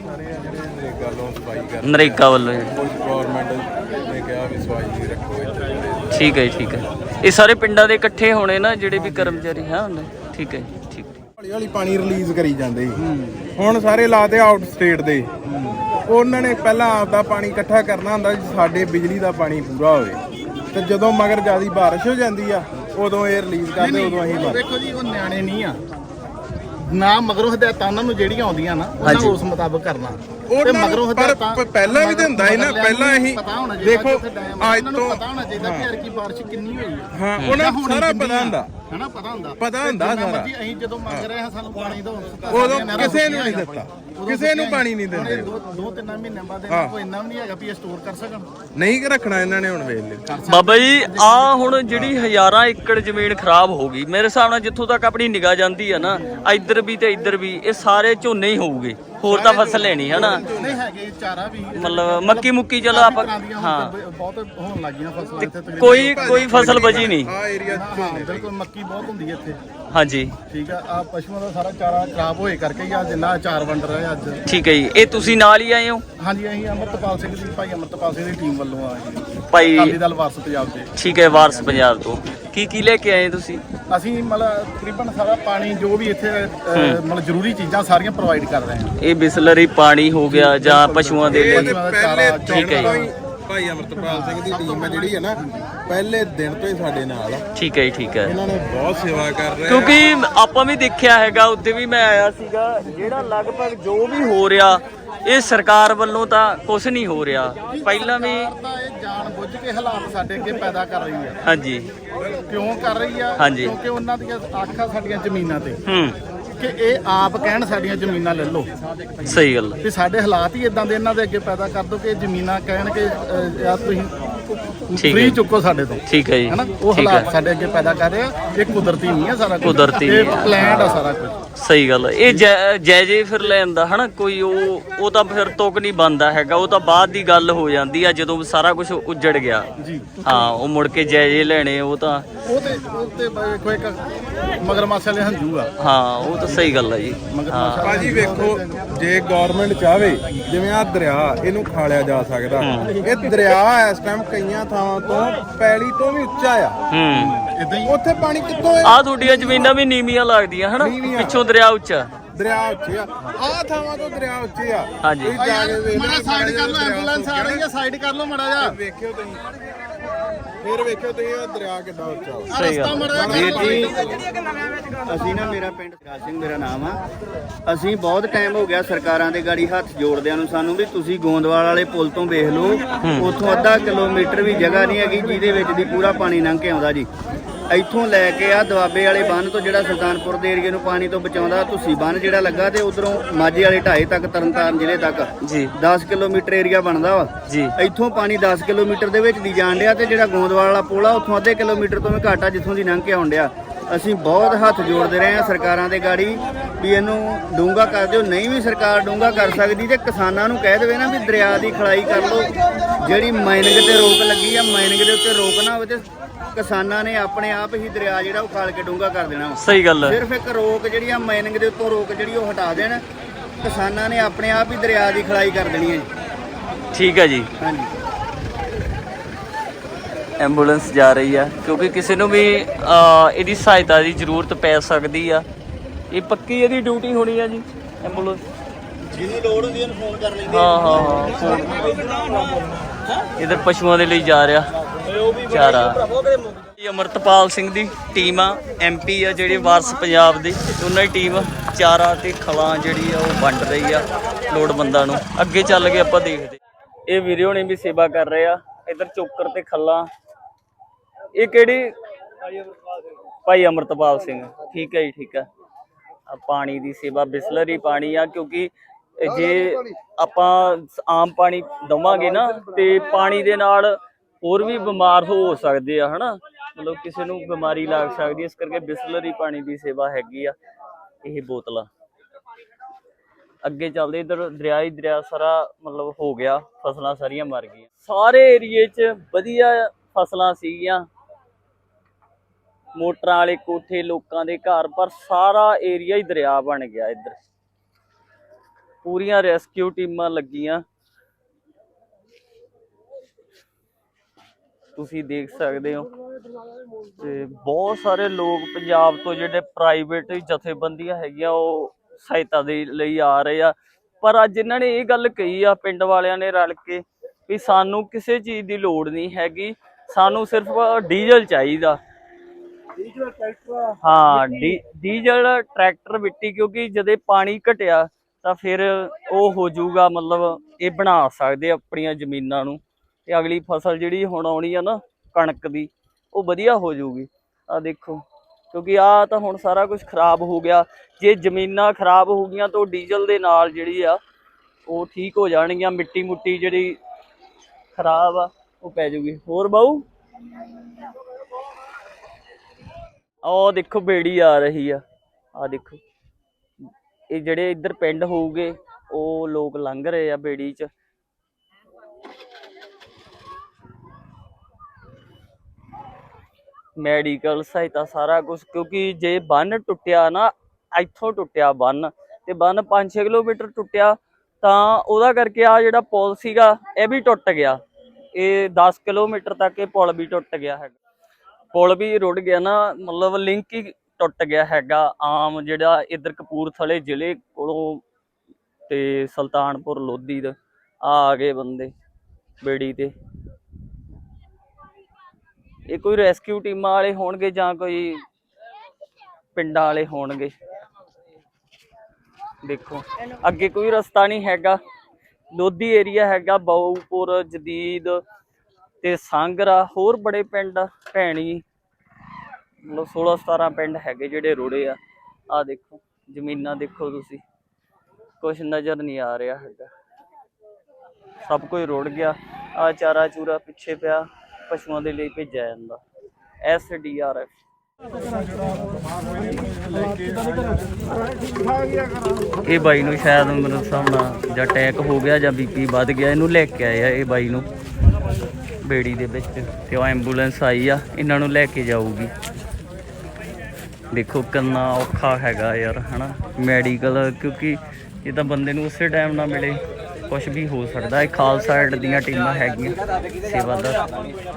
ਨਰੇਗਾ ਵੱਲੋਂ ਗਵਰਨਮੈਂਟ ਨੇ ਕਿਹਾ ਵੀ ਸਫਾਈ ਰੱਖੋ ਇੱਥੇ। ਠੀਕ ਹੈ ਜੀ, ਠੀਕ ਹੈ। ਇਹ ਸਾਰੇ ਪਿੰਡਾਂ ਦੇ ਇਕੱਠੇ ਹੋਣੇ ਨਾ ਜਿਹੜੇ ਵੀ ਕਰਮਚਾਰੀ ਹਾਂ। ਠੀਕ ਹੈ, ਠੀਕ। ਹੌਲੀ ਹੌਲੀ ਪਾਣੀ ਰਿਲੀਜ਼ ਕਰੀ ਜਾਂਦੇ ਸੀ, ਹੁਣ ਸਾਰੇ ਲਾਤੇ ਆਊਟ ਸਟੇਟ ਦੇ। ਉਹਨਾਂ ਨੇ ਪਹਿਲਾਂ ਆਪਦਾ ਪਾਣੀ ਇਕੱਠਾ ਕਰਨਾ ਹੁੰਦਾ ਸਾਡੇ ਬਿਜਲੀ ਦਾ ਪਾਣੀ ਪੂਰਾ ਹੋਵੇ, ਤੇ ਜਦੋਂ ਮਗਰ ਜਿਆਦਾ ਬਾਰਿਸ਼ ਹੋ ਜਾਂਦੀ ਆ ਉਦੋਂ ਇਹ ਰਿਲੀਜ਼ ਕਰਦੇ, ਉਦੋਂ ਅਸੀਂ ਦੇਖੋ ਜੀ ਉਹ ਨਿਆਣੇ ਨਹੀਂ ਆ ਨਾ, ਮਗਰੋਂ ਹਦਾਇਤਾਂ ਉਹਨਾਂ ਨੂੰ ਜਿਹੜੀਆਂ ਆਉਂਦੀਆਂ ਨਾ ਉਹਨਾਂ ਉਸ ਮੁਤਾਬਕ ਕਰਨਾ। ਤੇ ਮਗਰੋਂ ਹਦਾਇਤਾਂ ਪਹਿਲਾਂ ਵੀ ਤਾਂ ਹੁੰਦਾ ਸੀ ਨਾ, ਪਹਿਲਾਂ ਅਸੀਂ ਦੇਖੋ ਅੱਜ ਤੋਂ ਪਤਾ ਹੋਣਾ ਚਾਹੀਦਾ ਕਿ ਯਾਰ ਕੀ ਬਾਰਿਸ਼ ਕਿੰਨੀ ਹੋਈ ਹੈ। ਹਾਂ, ਉਹਨਾਂ ਨੂੰ ਸਾਰਾ ਪਤਾ ਹੁੰਦਾ, ਹਨਾ, ਪਤਾ ਹੁੰਦਾ ਸਾਰਾ। ਅਸੀਂ ਜਦੋਂ ਮੰਗ ਰਹੇ ਹਾਂ ਸਾਨੂੰ ਪਾਣੀ ਦਿਓ, ਉਦੋਂ ਕਿਸੇ ਨੂੰ ਨਹੀਂ ਦਿੱਤਾ, ਕਿਸੇ ਨੂੰ ਪਾਣੀ ਨਹੀਂ ਦਿੰਦੇ। 2-3 ਮਹੀਨਿਆਂ ਬਾਅਦ ਇਹਨਾਂ ਕੋਈ ਇੰਨਾ ਵੀ ਨਹੀਂ ਹੈਗਾ ਵੀ ਇਹ ਸਟੋਰ ਕਰ ਸਕਣ। ਨਹੀਂ ਰੱਖਣਾ ਇਹਨਾਂ ਨੇ ਹੁਣ ਵੇਖ ਲਿਓ। ਬਾਬਾ ਜੀ ਆ ਹੁਣ ਜਿਹੜੀ ਹਜ਼ਾਰਾਂ ਏਕੜ ਜ਼ਮੀਨ ਖਰਾਬ ਹੋ ਗਈ, ਮੇਰੇ ਹਿਸਾਬ ਨਾਲ ਜਿੱਥੋਂ ਤੱਕ ਆਪਣੀ ਨਿਗਾਹ ਜਾਂਦੀ ਆ ਨਾ, ਇੱਧਰ ਵੀ ਤੇ ਇੱਧਰ ਵੀ ਇਹ ਸਾਰੇ ਝੋਨੇ ਹੀ ਹੋਊਗੇ, ਹੋਰ ਤਾਂ ਫਸਲ ਲੈਣੀ ਹੈ ਨਾ। ਨਹੀਂ ਹੈਗੇ ਚਾਰਾ ਵੀ, ਮਤਲਬ ਮੱਕੀ ਮੁੱਕੀ ਚਲੋ ਆਪਾਂ ਹਾਂ ਬਹੁਤ ਹੋਣ ਲੱਗੀਆਂ ਫਸਲਾਂ ਇੱਥੇ। ਕੋਈ ਫਸਲ ਬਚੀ ਨਹੀਂ। ਆ ਏਰੀਆ ਬਿਲਕੁਲ ਮੱਕੀ ਬਹੁਤ ਹੁੰਦੀ ਹੈ ਇੱਥੇ। ਹਾਂਜੀ, ਠੀਕ ਆ ਪਸ਼ੂਆਂ ਦਾ ਸਾਰਾ ਚਾਰਾ ਖਰਾਬ ਹੋਏ ਕਰਕੇ ਹੀ ਆ ਜਿੰਨਾ ਅਚਾਰ ਵੰਡ ਰਹੇ ਆ ਅੱਜ। ਠੀਕ ਹੈ ਜੀ। ਇਹ ਤੁਸੀਂ ਨਾਲ ਹੀ ਆਏ ਹੋ? ਹਾਂਜੀ, ਅਸੀਂ ਅਮਰਤਪਾਲ ਸਿੰਘ ਦੀ, ਭਾਈ ਅਮਰਤਪਾਲ ਸਿੰਘ ਦੀ ਟੀਮ ਵੱਲੋਂ ਆਏ ਜੀ, ਭਾਈ ਅਕਾਲੀ ਦਲ ਵਾਰਸ ਪੰਜਾਬ ਦੇ। ਠੀਕ ਹੈ, ਵਾਰਸ ਪੰਜਾਬ ਤੋਂ ਕੀ ਲੈ ਕੇ ਆਏ ਤੁਸੀਂ? ਅਸੀਂ ਮਤਲਬ ਤਕਰੀਬਨ ਸਾਰਾ ਪਾਣੀ ਜੋ ਵੀ ਇੱਥੇ ਮਤਲਬ ਜ਼ਰੂਰੀ ਚੀਜ਼ਾਂ ਸਾਰੀਆਂ ਪ੍ਰੋਵਾਈਡ ਕਰ ਰਹੇ ਹਾਂ। ਇਹ ਬਿਸਲਰੀ ਪਾਣੀ ਹੋ ਗਿਆ ਜਾਂ ਪਸ਼ੂਆਂ ਦੇ ਲਈ? ਠੀਕ ਹੈ ਜੀ। ਭਾਈ ਅਮਰਤਪਾਲ ਸਿੰਘ ਦੀ ਟੀਮ ਹੈ ਜਿਹੜੀ ਹੈ ਨਾ, ਪਹਿਲੇ ਦਿਨ ਤੋਂ ਹੀ ਸਾਡੇ ਨਾਲ ਆ। ਠੀਕ ਹੈ ਜੀ, ਠੀਕ ਹੈ। ਇਹਨਾਂ ਨੇ ਬਹੁਤ ਸੇਵਾ ਕਰ ਰਹੇ ਆ, ਕਿਉਂਕਿ ਆਪਾਂ ਵੀ ਦੇਖਿਆ ਹੈਗਾ, ਉੱਤੇ ਵੀ ਮੈਂ ਆਇਆ ਸੀਗਾ, ਜਿਹੜਾ ਲਗਭਗ ਜੋ ਵੀ ਹੋ ਰਿਹਾ ਇਹ ਸਰਕਾਰ ਵੱਲੋਂ ਤਾਂ ਕੁਝ ਨਹੀਂ ਹੋ ਰਿਹਾ। ਪਹਿਲਾਂ ਵੀ ਤਾਂ ਇਹ ਜਾਣ ਬੁੱਝ ਕੇ ਹਾਲਾਤ ਸਾਡੇ ਅੱਗੇ ਪੈਦਾ ਕਰ ਰਹੀ ਹੈ। ਹਾਂਜੀ, ਕਿਉਂ ਕਰ ਰਹੀ ਆ? ਹਾਂਜੀ। ਕਿਉਂਕਿ ਉਹਨਾਂ ਦੀਆਂ ਆਖਾਂ ਸਾਡੀਆਂ ਜ਼ਮੀਨਾਂ ਤੇ ਹੂੰ, ਕਿ ਇਹ ਆਪ ਕਹਿਣ ਸਾਡੀਆਂ ਜ਼ਮੀਨਾਂ ਲੈ ਲਓ। ਸਹੀ ਗੱਲ। ਤੇ ਸਾਡੇ ਹਾਲਾਤ ਹੀ ਇਦਾਂ ਦੇ ਇਹਨਾਂ ਦੇ ਅੱਗੇ ਪੈਦਾ ਕਰ ਦੋ ਕਿ ਜ਼ਮੀਨਾਂ ਕਹਿਣ ਕਿ ਯਾਰ ਤੁਸੀਂ ਠੀਕ ਫ੍ਰੀ ਹੈ। ਚੁੱਕੋ ਸਾਡੇ ਤੋਂ। ਠੀਕ ਹੈ ਜੀ, ਹਨਾ, ਉਹ ਠੀਕ ਹਾਲਾਤ ਹੈ। ਸਾਡੇ ਅੱਗੇ ਪੈਦਾ ਕਰ ਰਹੇ ਆ। ਇਹ ਕੁਦਰਤੀ ਨਹੀਂ ਆ ਸਾਰਾ ਕੁਝ, ਕੁਦਰਤੀ ਇਹ ਨਹੀਂ ਆ। ਪਲਾਨਡ ਆ ਸਾਰਾ ਕੁਝ। ਸਹੀ ਗੱਲ। ਇਹ ਜਾਇਜੇ ਫਿਰ ਲੈਂਦਾ ਹਨਾ ਕੋਈ, ਉਹ ਤਾਂ ਫਿਰ ਤੁਕ ਨਹੀਂ ਬਣਦਾ ਹੈਗਾ, ਉਹ ਤਾਂ ਬਾਅਦ ਦੀ ਗੱਲ ਹੋ ਜਾਂਦੀ ਆ ਜਦੋਂ ਸਾਰਾ ਕੁਝ ਉੱਜੜ ਗਿਆ। ਜੀ ਹਾਂ, ਉਹ ਮੁੜ ਕੇ ਜਾਇਜੇ ਲੈਣੇ ਉਹ ਤਾਂ ਉਹ ਤੇ ਕੋਈ ਇੱਕ ਮਗਰਮੱਛ ਵਾਲੇ ਹੰਝੂ ਆ। ਹਾਂ, ਉਹ ਤਾਂ ਸਹੀ ਗੱਲ ਆ ਜੀ। ਮਗਰਮੱਛ ਭਾਜੀ ਵੇਖੋ, ਜੇ ਗਵਰਨਮੈਂਟ ਚਾਹਵੇ ਜਿਵੇਂ ਆ ਦਰਿਆ ਇਹਨੂੰ ਖਾਲਿਆ ਜਾ ਸਕਦਾ। ਇਹ ਦਰਿਆ ਇਸ ਟਾਈਮ ਕਈਆਂ ਥਾਵਾਂ ਤੋਂ ਪੈਲੀ ਤੋਂ ਵੀ ਉੱਚਾ ਆ। ਹੂੰ, ਇਦਾਂ ਹੀ ਉੱਥੇ ਪਾਣੀ ਕਿੱਥੋਂ ਆ ਤੁਹਾਡੀਆਂ ਜ਼ਮੀਨਾਂ ਵੀ ਨੀਵੀਆਂ ਲੱਗਦੀਆਂ ਹਨਾ, ਪਿੱਛੋਂ ਦਰਿਆ ਉੱਚਾ। ਦਰਿਆ ਉੱਚੇ ਆ ਆਹ ਥਾਵਾਂ ਤੋਂ ਦਰਿਆ ਉੱਚੇ ਆ ਹਾਂਜੀ। ਤੁਸੀਂ ਜਾ ਕੇ ਵੇਖ ਮਾੜਾ ਸਾਈਡ ਕਰ ਲਓ, ਐਂਬੂਲੈਂਸ ਆ ਰਹੀ ਹੈ, ਸਾਈਡ ਕਰ ਲਓ ਮਾੜਾ ਜਿਹਾ। ਵੇਖਿਓ ਤੁਸੀਂ ਫਿਰ ਵੇਖਿਓ ਤੁਸੀਂ ਉਹ ਦਰਿਆ ਕਿੱਡਾ ਉੱਚਾ ਵਾ। ਸਹੀ ਗੱਲ ਵੀਰ ਜੀ ਅਸੀਂ ਨਾ ਮੇਰਾ ਪਿੰਡ ਰਾਜ ਸਿੰਘ ਮੇਰਾ ਨਾਮ ਆ। ਅਸੀਂ ਬਹੁਤ ਟਾਈਮ ਹੋ ਗਿਆ ਸਰਕਾਰਾਂ ਦੇ ਗਾੜੀ ਹੱਥ ਜੋੜਦਿਆਂ ਨੂੰ ਸਾਨੂੰ ਵੀ ਤੁਸੀਂ ਗੋਂਦਵਾਲ ਵਾਲੇ ਪੁਲ ਤੋਂ ਵੇਖ ਲਓ, ਉੱਥੋਂ ਅੱਧਾ ਕਿਲੋਮੀਟਰ ਵੀ ਜਗ੍ਹਾ ਨਹੀਂ ਹੈਗੀ ਜਿਹਦੇ ਵਿੱਚ ਦੀ ਪੂਰਾ ਪਾਣੀ ਲੰਘ ਕੇ ਆਉਂਦਾ ਜੀ। ਇੱਥੋਂ ਲੈ ਕੇ ਆ ਦੁਆਬੇ ਵਾਲੇ ਬੰਨ ਤੋਂ ਜਿਹੜਾ ਸੁਲਤਾਨਪੁਰ ਦੇ ਏਰੀਏ ਨੂੰ ਪਾਣੀ ਤੋਂ ਬਚਾਉਂਦਾ ਤੁਸੀਂ ਬੰਨ ਜਿਹੜਾ ਲੱਗਾ ਤੇ ਉਧਰੋਂ ਮਾਝੇ ਵਾਲੇ ਢਾਏ ਤੱਕ ਤਰਨਤਾਰਨ ਜ਼ਿਲ੍ਹੇ ਤੱਕ ਜੀ 10 ਕਿਲੋਮੀਟਰ ਏਰੀਆ ਬਣਦਾ ਵਾ ਜੀ। ਇੱਥੋਂ ਪਾਣੀ 10 ਕਿਲੋਮੀਟਰ ਦੇ ਵਿੱਚ ਦੀ ਜਾਣ ਡਿਆ ਤੇ ਜਿਹੜਾ ਗੋਂਦਵਾਲ ਵਾਲਾ ਪੁਲ ਆ ਉੱਥੋਂ ਅੱਧੇ ਕਿਲੋਮੀਟਰ ਤੋਂ ਵੀ ਘੱਟ ਆ ਜਿੱਥੋਂ ਦੀ ਲੰਘ ਕੇ ਆਉਣ ਡਿਆ। ਅਸੀਂ ਬਹੁਤ ਹੱਥ ਜੋੜਦੇ ਰਹੇ ਹਾਂ ਸਰਕਾਰਾਂ ਦੇ ਗਾੜੀ ਵੀ ਇਹਨੂੰ ਡੂੰਘਾ ਕਰ ਦਿਓ। ਨਹੀਂ ਵੀ ਸਰਕਾਰ ਡੂੰਘਾ ਕਰ ਸਕਦੀ ਤੇ ਕਿਸਾਨਾਂ ਨੂੰ ਕਹਿ ਦੇਵੇ ਨਾ ਵੀ ਦਰਿਆ ਦੀ ਖਲਾਈ ਕਰ ਲਓ। ਜਿਹੜੀ ਮਾਈਨਿੰਗ ਤੇ ਰੋਕ ਲੱਗੀ ਆ ਮਾਈਨਿੰਗ ਦੇ ਉੱਤੇ ਰੋਕ ਨਾ ਹੋਵੇ ਤੇ ਕਿਸਾਨਾਂ ਨੇ ਆਪਣੇ ਆਪ ਹੀ ਦਰਿਆ ਜਿਹੜਾ ਉਹ ਖਾਲ ਕੇ ਡੂੰਘਾ ਕਰ ਦੇਣਾ ਵਾ। ਸਹੀ ਗੱਲ ਹੈ। ਸਿਰਫ ਇੱਕ ਰੋਕ ਜਿਹੜੀ ਆ ਮਾਈਨਿੰਗ ਦੇ ਉੱਤੋਂ ਰੋਕ ਜਿਹੜੀ ਉਹ ਹਟਾ ਦੇਣ, ਕਿਸਾਨਾਂ ਨੇ ਆਪਣੇ ਆਪ ਹੀ ਦਰਿਆ ਦੀ ਖਲਾਈ ਕਰ ਦੇਣੀ ਹੈ। ਠੀਕ ਹੈ ਜੀ। ਹਾਂਜੀ ਐਂਬੂਲੈਂਸ ਜਾ ਰਹੀ ਆ ਕਿਉਂਕਿ ਕਿਸੇ ਨੂੰ ਵੀ ਇਹਦੀ ਸਹਾਇਤਾ ਦੀ ਜ਼ਰੂਰਤ ਪੈ ਸਕਦੀ ਆ। ਇਹ ਪੱਕੀ ਇਹਦੀ ਡਿਊਟੀ ਹੋਣੀ ਆ ਜੀ ਐਂਬੂਲੈਂਸ। ਜਿਹਨੂੰ ਲੋੜ ਹੁੰਦੀ ਉਹਨੂੰ ਫੋਨ ਕਰ ਲੈਂਦੇ। ਹਾਂ ਇਧਰ ਪਸ਼ੂਆਂ ਦੇ ਲਈ ਜਾ ਰਿਹਾ ਚਾਰਾ। ਇਹ ਅਮਰਤਪਾਲ ਸਿੰਘ ਦੀ ਟੀਮ ਆ, MP ਆ ਜਿਹੜੇ ਵਾਰਸ ਪੰਜਾਬ ਦੀ, ਉਹਨਾਂ ਦੀ ਟੀਮ ਚਾਰਾ ਤੇ ਖਲਾਂ ਜਿਹੜੀ ਆ ਉਹ ਵੰਡ ਰਹੀ ਆ ਲੋੜਵੰਦਾਂ ਨੂੰ। ਅੱਗੇ ਚੱਲ ਕੇ ਆਪਾਂ ਦੇਖਦੇ। ਇਹ ਵੀਰੇ ਹੋਣੀ ਵੀ ਸੇਵਾ ਕਰ ਰਹੇ ਆ। ਇਧਰ ਚੋਕਰ ਤੇ ਖੱਲਾਂ। ਇਹ ਕਿਹੜੀ? ਭਾਈ ਅਮਰਤਪਾਲ ਸਿੰਘ। ਠੀਕ ਹੈ ਜੀ ਠੀਕ ਹੈ। ਪਾਣੀ ਦੀ ਸੇਵਾ ਬਿਸਲਰੀ ਪਾਣੀ ਆ ਕਿਉਂਕਿ ਜੇ ਆਪਾਂ ਆਮ ਪਾਣੀ ਦਵਾਂਗੇ ਨਾ ਤੇ ਪਾਣੀ ਦੇ ਨਾਲ ਹੋਰ ਵੀ ਬਿਮਾਰ ਹੋ ਸਕਦੇ ਆ ਹਨਾ, ਮਤਲਬ ਕਿਸੇ ਨੂੰ ਬਿਮਾਰੀ ਲੱਗ ਸਕਦੀ ਹੈ। ਇਸ ਕਰਕੇ ਬਿਸਲਰੀ ਪਾਣੀ ਦੀ ਸੇਵਾ ਹੈਗੀ ਆ। ਇਹ ਬੋਤਲਾਂ ਅੱਗੇ ਚੱਲਦੇ। ਇਧਰ ਦਰਿਆ ਹੀ ਦਰਿਆ ਸਾਰਾ ਮਤਲਬ ਹੋ ਗਿਆ, ਫਸਲਾਂ ਸਾਰੀਆਂ ਮਰ ਗਈਆਂ। ਸਾਰੇ ਏਰੀਏ 'ਚ ਵਧੀਆ ਫਸਲਾਂ ਸੀਗੀਆਂ, ਮੋਟਰਾਂ ਵਾਲੇ ਕੋਠੇ ਲੋਕਾਂ ਦੇ ਘਰ, ਪਰ ਸਾਰਾ ਏਰੀਆ ਹੀ ਦਰਿਆ ਬਣ ਗਿਆ। ਇੱਧਰ ਪੂਰੀਆਂ ਰੈਸਕਿਊ ਟੀਮਾਂ ਲੱਗੀਆਂ, ਤੁਸੀਂ ਦੇਖ ਸਕਦੇ ਹੋ। ਤੇ ਬਹੁਤ ਸਾਰੇ ਲੋਕ ਪੰਜਾਬ ਤੋਂ ਜਿਹੜੇ ਪ੍ਰਾਈਵੇਟ ਜਥੇਬੰਦੀਆਂ ਹੈਗੀਆਂ ਉਹ ਸਹਾਇਤਾ ਦੇ ਲਈ ਆ ਰਹੇ ਆ। ਪਰ ਅੱਜ ਇਹਨਾਂ ਨੇ ਇਹ ਗੱਲ ਕਹੀ ਆ ਪਿੰਡ ਵਾਲਿਆਂ ਨੇ ਰਲ ਕੇ ਵੀ ਸਾਨੂੰ ਕਿਸੇ ਚੀਜ਼ ਦੀ ਲੋੜ ਨਹੀਂ ਹੈਗੀ, ਸਾਨੂੰ ਸਿਰਫ ਡੀਜ਼ਲ ਚਾਹੀਦਾ। ਹਾਂ ਡੀਜ਼ਲ ਟਰੈਕਟਰ ਮਿੱਟੀ, ਕਿਉਂਕਿ ਜਦੋਂ ਪਾਣੀ ਘਟਿਆ ਤਾਂ ਫਿਰ ਉਹ ਹੋ ਜਾਊਗਾ, ਮਤਲਬ ਇਹ ਬਣਾ ਸਕਦੇ ਆਪਣੀਆਂ ਜ਼ਮੀਨਾਂ ਨੂੰ ਤੇ ਅਗਲੀ ਫਸਲ ਜਿਹੜੀ ਹੁਣ ਆਉਣੀ ਆ ਨਾ ਕਣਕ ਦੀ ਉਹ ਵਧੀਆ ਹੋ ਜਾਊਗੀ। ਆ ਦੇਖੋ ਕਿਉਂਕਿ ਆ ਤਾਂ ਹੁਣ ਸਾਰਾ ਕੁਝ ਖਰਾਬ ਹੋ ਗਿਆ। ਜੇ ਜ਼ਮੀਨਾਂ ਖਰਾਬ ਹੋ ਗਈਆਂ ਤਾਂ ਡੀਜ਼ਲ ਦੇ ਨਾਲ ਜਿਹੜੀ ਆ ਉਹ ਠੀਕ ਹੋ ਜਾਣਗੀਆਂ। ਮਿੱਟੀ ਮੁੱਟੀ ਜਿਹੜੀ ਖਰਾਬ ਆ ਉਹ ਪੈ ਜਾਊਗੀ। ਹੋਰ ਬਾਊ ਆਹ ਦੇਖੋ ਬੇੜੀ ਆ ਰਹੀ ਆ। ਆ ਦੇਖੋ ਇਹ ਜਿਹੜੇ ਇੱਧਰ ਪਿੰਡ ਹੋਊਗੇ ਉਹ ਲੋਕ ਲੰਘ ਰਹੇ ਆ ਬੇੜੀ 'ਚ। ਮੈਡੀਕਲ ਸਹਾਇਤਾ ਸਾਰਾ ਕੁਝ, ਕਿਉਂਕਿ ਜੇ ਬੰਨ ਟੁੱਟਿਆ ਨਾ, ਇੱਥੋਂ ਟੁੱਟਿਆ ਬੰਨ ਤੇ ਬੰਨ 5-6 ਕਿਲੋਮੀਟਰ ਟੁੱਟਿਆ ਤਾਂ ਉਹਦਾ ਕਰਕੇ ਆ ਜਿਹੜਾ ਪੁਲ ਸੀਗਾ ਇਹ ਵੀ ਟੁੱਟ ਗਿਆ। ਇਹ 10 ਕਿਲੋਮੀਟਰ ਤੱਕ ਇਹ ਪੁਲ ਵੀ ਟੁੱਟ ਗਿਆ ਹੈਗਾ। ਪੁਲ ਵੀ ਰੁੜ ਗਿਆ ਨਾ, ਮਤਲਬ ਲਿੰਕ ਹੀ ਟੁੱਟ ਗਿਆ ਹੈਗਾ। ਆਮ ਜਿਹੜਾ ਇੱਧਰ ਕਪੂਰਥਲੇ ਜ਼ਿਲ੍ਹੇ ਕੋਲੋਂ ਤੇ ਸੁਲਤਾਨਪੁਰ ਲੋਧੀ ਦਾ ਆ ਗਏ ਬੰਦੇ ਬੇੜੀ ਤੇ। ਇਹ ਕੋਈ ਰੈਸਕਿਊ ਟੀਮਾਂ ਵਾਲੇ ਹੋਣਗੇ ਜਾਂ ਕੋਈ ਪਿੰਡਾਂ ਵਾਲੇ ਹੋਣਗੇ। ਦੇਖੋ ਅੱਗੇ ਕੋਈ ਰਸਤਾ ਨਹੀਂ ਹੈਗਾ। ਲੋਧੀ ਏਰੀਆ ਹੈਗਾ, ਬਾਊਪੁਰ, ਜਦੀਦ ਤੇ ਸਾਂਗਰਾ, ਹੋਰ ਬੜੇ ਪਿੰਡ ਭੈਣੀ, ਮਤਲਬ 16-17 ਪਿੰਡ ਹੈਗੇ ਜਿਹੜੇ ਰੁੜੇ ਆ। ਆਹ ਦੇਖੋ ਜ਼ਮੀਨਾਂ ਦੇਖੋ ਤੁਸੀਂ, ਕੁਛ ਨਜ਼ਰ ਨਹੀਂ ਆ ਰਿਹਾ ਹੈਗਾ, ਸਭ ਕੁਝ ਰੁੜ ਗਿਆ। ਆ ਚਾਰਾ ਚੂਰਾ ਪਿੱਛੇ ਪਿਆ, ਪਸ਼ੂਆਂ ਦੇ ਲਈ ਭੇਜਿਆ ਜਾਂਦਾ। SDRF ਇਹ ਬਾਈ ਨੂੰ ਸ਼ਾਇਦ ਮੇਰੇ ਹਿਸਾਬ ਨਾਲ ਜਾਂ ਅਟੈਕ ਹੋ ਗਿਆ ਜਾਂ BP ਵੱਧ ਗਿਆ, ਇਹਨੂੰ ਲੈ ਕੇ ਆਏ ਆ ਇਹ ਬਾਈ ਨੂੰ ਬੇੜੀ ਦੇ ਵਿੱਚ ਤੇ ਉਹ ਐਂਬੂਲੈਂਸ ਆਈ ਆ, ਇਹਨਾਂ ਨੂੰ ਲੈ ਕੇ ਜਾਊਗੀ। ਦੇਖੋ ਕਿੰਨਾ ਔਖਾ ਹੈਗਾ ਯਾਰ ਹਨਾ ਮੈਡੀਕਲ, ਕਿਉਂਕਿ ਇਹ ਤਾਂ ਬੰਦੇ ਨੂੰ ਉਸੇ ਟਾਈਮ ਨਾ ਮਿਲੇ, ਕੁਛ ਵੀ ਹੋ ਸਕਦਾ। ਇਹ ਖਾਲਸਾ ਏਡ ਦੀਆਂ ਟੀਮਾਂ ਹੈਗੀਆਂ ਸੇਵਾਦਾਰ।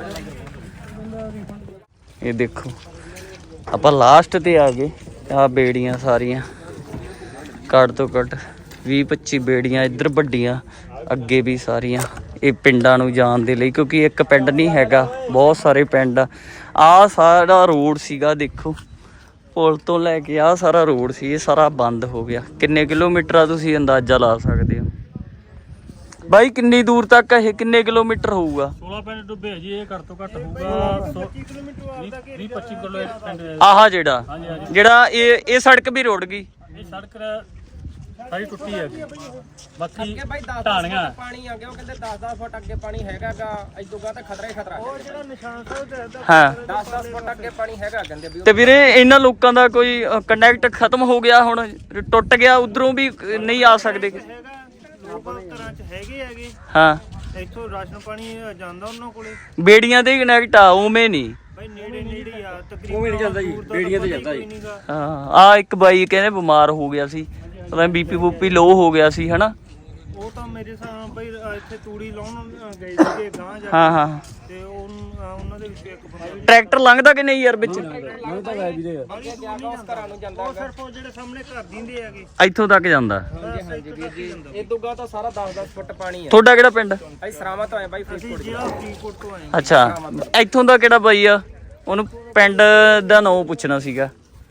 ਇਹ ਦੇਖੋ ਆਪਾਂ ਲਾਸਟ ਤੇ ਆ ਗਏ। ਆ ਬੇੜੀਆਂ ਸਾਰੀਆਂ ਘੱਟ ਤੋਂ ਘੱਟ 20-25 ਬੇੜੀਆਂ ਇੱਧਰ ਵੱਡੀਆਂ, ਅੱਗੇ ਵੀ ਸਾਰੀਆਂ ਇਹ ਪਿੰਡਾਂ ਨੂੰ ਜਾਣ ਦੇ ਲਈ, ਕਿਉਂਕਿ ਇੱਕ ਪਿੰਡ ਨਹੀਂ ਹੈਗਾ, ਬਹੁਤ ਸਾਰੇ ਪਿੰਡ ਆ। ਆਹ ਸਾਰਾ ਰੋਡ ਸੀਗਾ, ਦੇਖੋ ਪੁਲ ਤੋਂ ਲੈ ਕੇ ਆਹ ਸਾਰਾ ਰੋਡ ਸੀ, ਇਹ ਸਾਰਾ ਬੰਦ ਹੋ ਗਿਆ। ਕਿੰਨੇ ਕਿਲੋਮੀਟਰ ਆ ਤੁਸੀਂ ਅੰਦਾਜ਼ਾ ਲਾ ਸਕਦੇ ਹੋ ਬਾਈ? ਕਿੰਨੀ ਦੂਰ ਤੱਕ ਇਹ ਕਿੰਨੇ ਕਿਲੋਮੀਟਰ ਹੋਊਗਾ? 16 ਪਿੰਡ ਡੁੱਬੇ ਜੀ, ਇਹ ਘੱਟ ਤੋਂ ਘੱਟ ਹੋਊਗਾ 20-25 ਕਿਲੋ ਪਿੰਡ। ਆਹ ਜਿਹੜਾ ਇਹ ਸੜਕ ਵੀ ਰੁੜ ਗਈ, ਇਹ ਸੜਕ ਸਾਰੀ ਟੁੱਟੀ ਹੈ। ਬਾਕੀ ਢਾਣੀਆਂ ਪਾਣੀ ਆ ਗਿਆ, ਉਹ ਕਹਿੰਦੇ 10-10 ਫੁੱਟ ਅੱਗੇ ਪਾਣੀ ਹੈਗਾਗਾ, ਇਦੋਂਗਾ ਤਾਂ ਖਤਰਾ ਹੀ ਖਤਰਾ। ਉਹ ਜਿਹੜਾ ਨਿਸ਼ਾਨ ਸਾਹਿਬ ਹਾਂ 10-10 ਫੁੱਟ ਅੱਗੇ ਪਾਣੀ ਹੈਗਾ ਕਹਿੰਦੇ ਵੀ। ਤੇ ਵੀਰੇ ਇਹਨਾਂ ਲੋਕਾਂ ਦਾ ਕੋਈ ਕਨੈਕਟ ਖਤਮ ਹੋ ਗਿਆ, ਹੁਣ ਟੁੱਟ ਗਿਆ, ਉਧਰੋਂ ਵੀ ਨਹੀਂ ਆ ਸਕਦੇ। ਘਰਾਂ 'ਚ ਹੈਗੇ ਹਾਂ, ਇੱਥੋਂ ਰਾਸ਼ਨ ਪਾਣੀ ਜਾਂਦਾ ਉਹਨਾਂ ਕੋਲੇ, ਬੇੜੀਆਂ ਦੇ ਕਨੈਕਟ ਆ, ਉਵੇਂ ਨਹੀਂ ਬਈ ਨੇੜੇ ਆ ਤਕਰੀਬਨ। ਉਹ ਵੀ ਨਹੀਂ ਜਾਂਦਾ ਜੀ, ਬੇੜੀਆਂ ਤੇ ਜਾਂਦਾ ਜੀ। ਹਾਂ, ਆ ਇੱਕ ਬਾਈ ਕਹਿੰਦੇ ਬਿਮਾਰ ਹੋ ਗਿਆ ਸੀ, ਪਤਾ ਬੀਪੀ ਬੂਪੀ ਲੋ ਹੋ ਗਿਆ ਸੀ ਹਨਾ। ਉਹ ਤਾਂ ਮੇਰੇ ਸਾਹ ਬਈ ਇੱਥੇ ਤੂੜੀ ਲਾਉਣ ਗਏ ਸੀਗੇ ਗਾਂ ਜਾ ਹਾਂ ਹਾਂ, ਤੇ ਉਹਨਾਂ ਦੇ ਵਿੱਚ ਇੱਕ ਬੰਦਾ ਟਰੈਕਟਰ ਲੰਘਦਾ ਕਿ ਨਹੀਂ ਯਾਰ ਵਿੱਚ? ਲੰਘਦਾ ਹੈ ਵੀਰੇ, ਉਸ ਘਰਾਂ ਨੂੰ ਜਾਂਦਾ। ਉਹ ਸਿਰਫ ਉਹ ਜਿਹੜੇ ਸਾਹਮਣੇ ਘਰ ਦਿੰਦੇ ਹੈਗੇ ਇੱਥੋਂ ਤੱਕ ਜਾਂਦਾ। ਹਾਂਜੀ ਵੀਰ ਜੀ, ਇਦੋਂਗਾ ਤਾਂ ਸਾਰਾ 10-10 ਫੁੱਟ ਪਾਣੀ ਹੈ। ਤੁਹਾਡਾ ਕਿਹੜਾ ਪਿੰਡ? ਅਸੀਂ ਸਰਾਵਾਂ ਤੋਂ ਆਏ ਬਾਈ, ਫਰੀਦਕੋਟ ਜਿਹੜਾ ਫਰੀਦਕੋਟ ਤੋਂ ਆਏ। ਅੱਛਾ, ਇੱਥੋਂ ਦਾ ਕਿਹੜਾ ਬਾਈ ਆ? ਉਹਨੂੰ ਪਿੰਡ ਦਾ ਨਾਂ ਪੁੱਛਣਾ ਸੀਗਾ।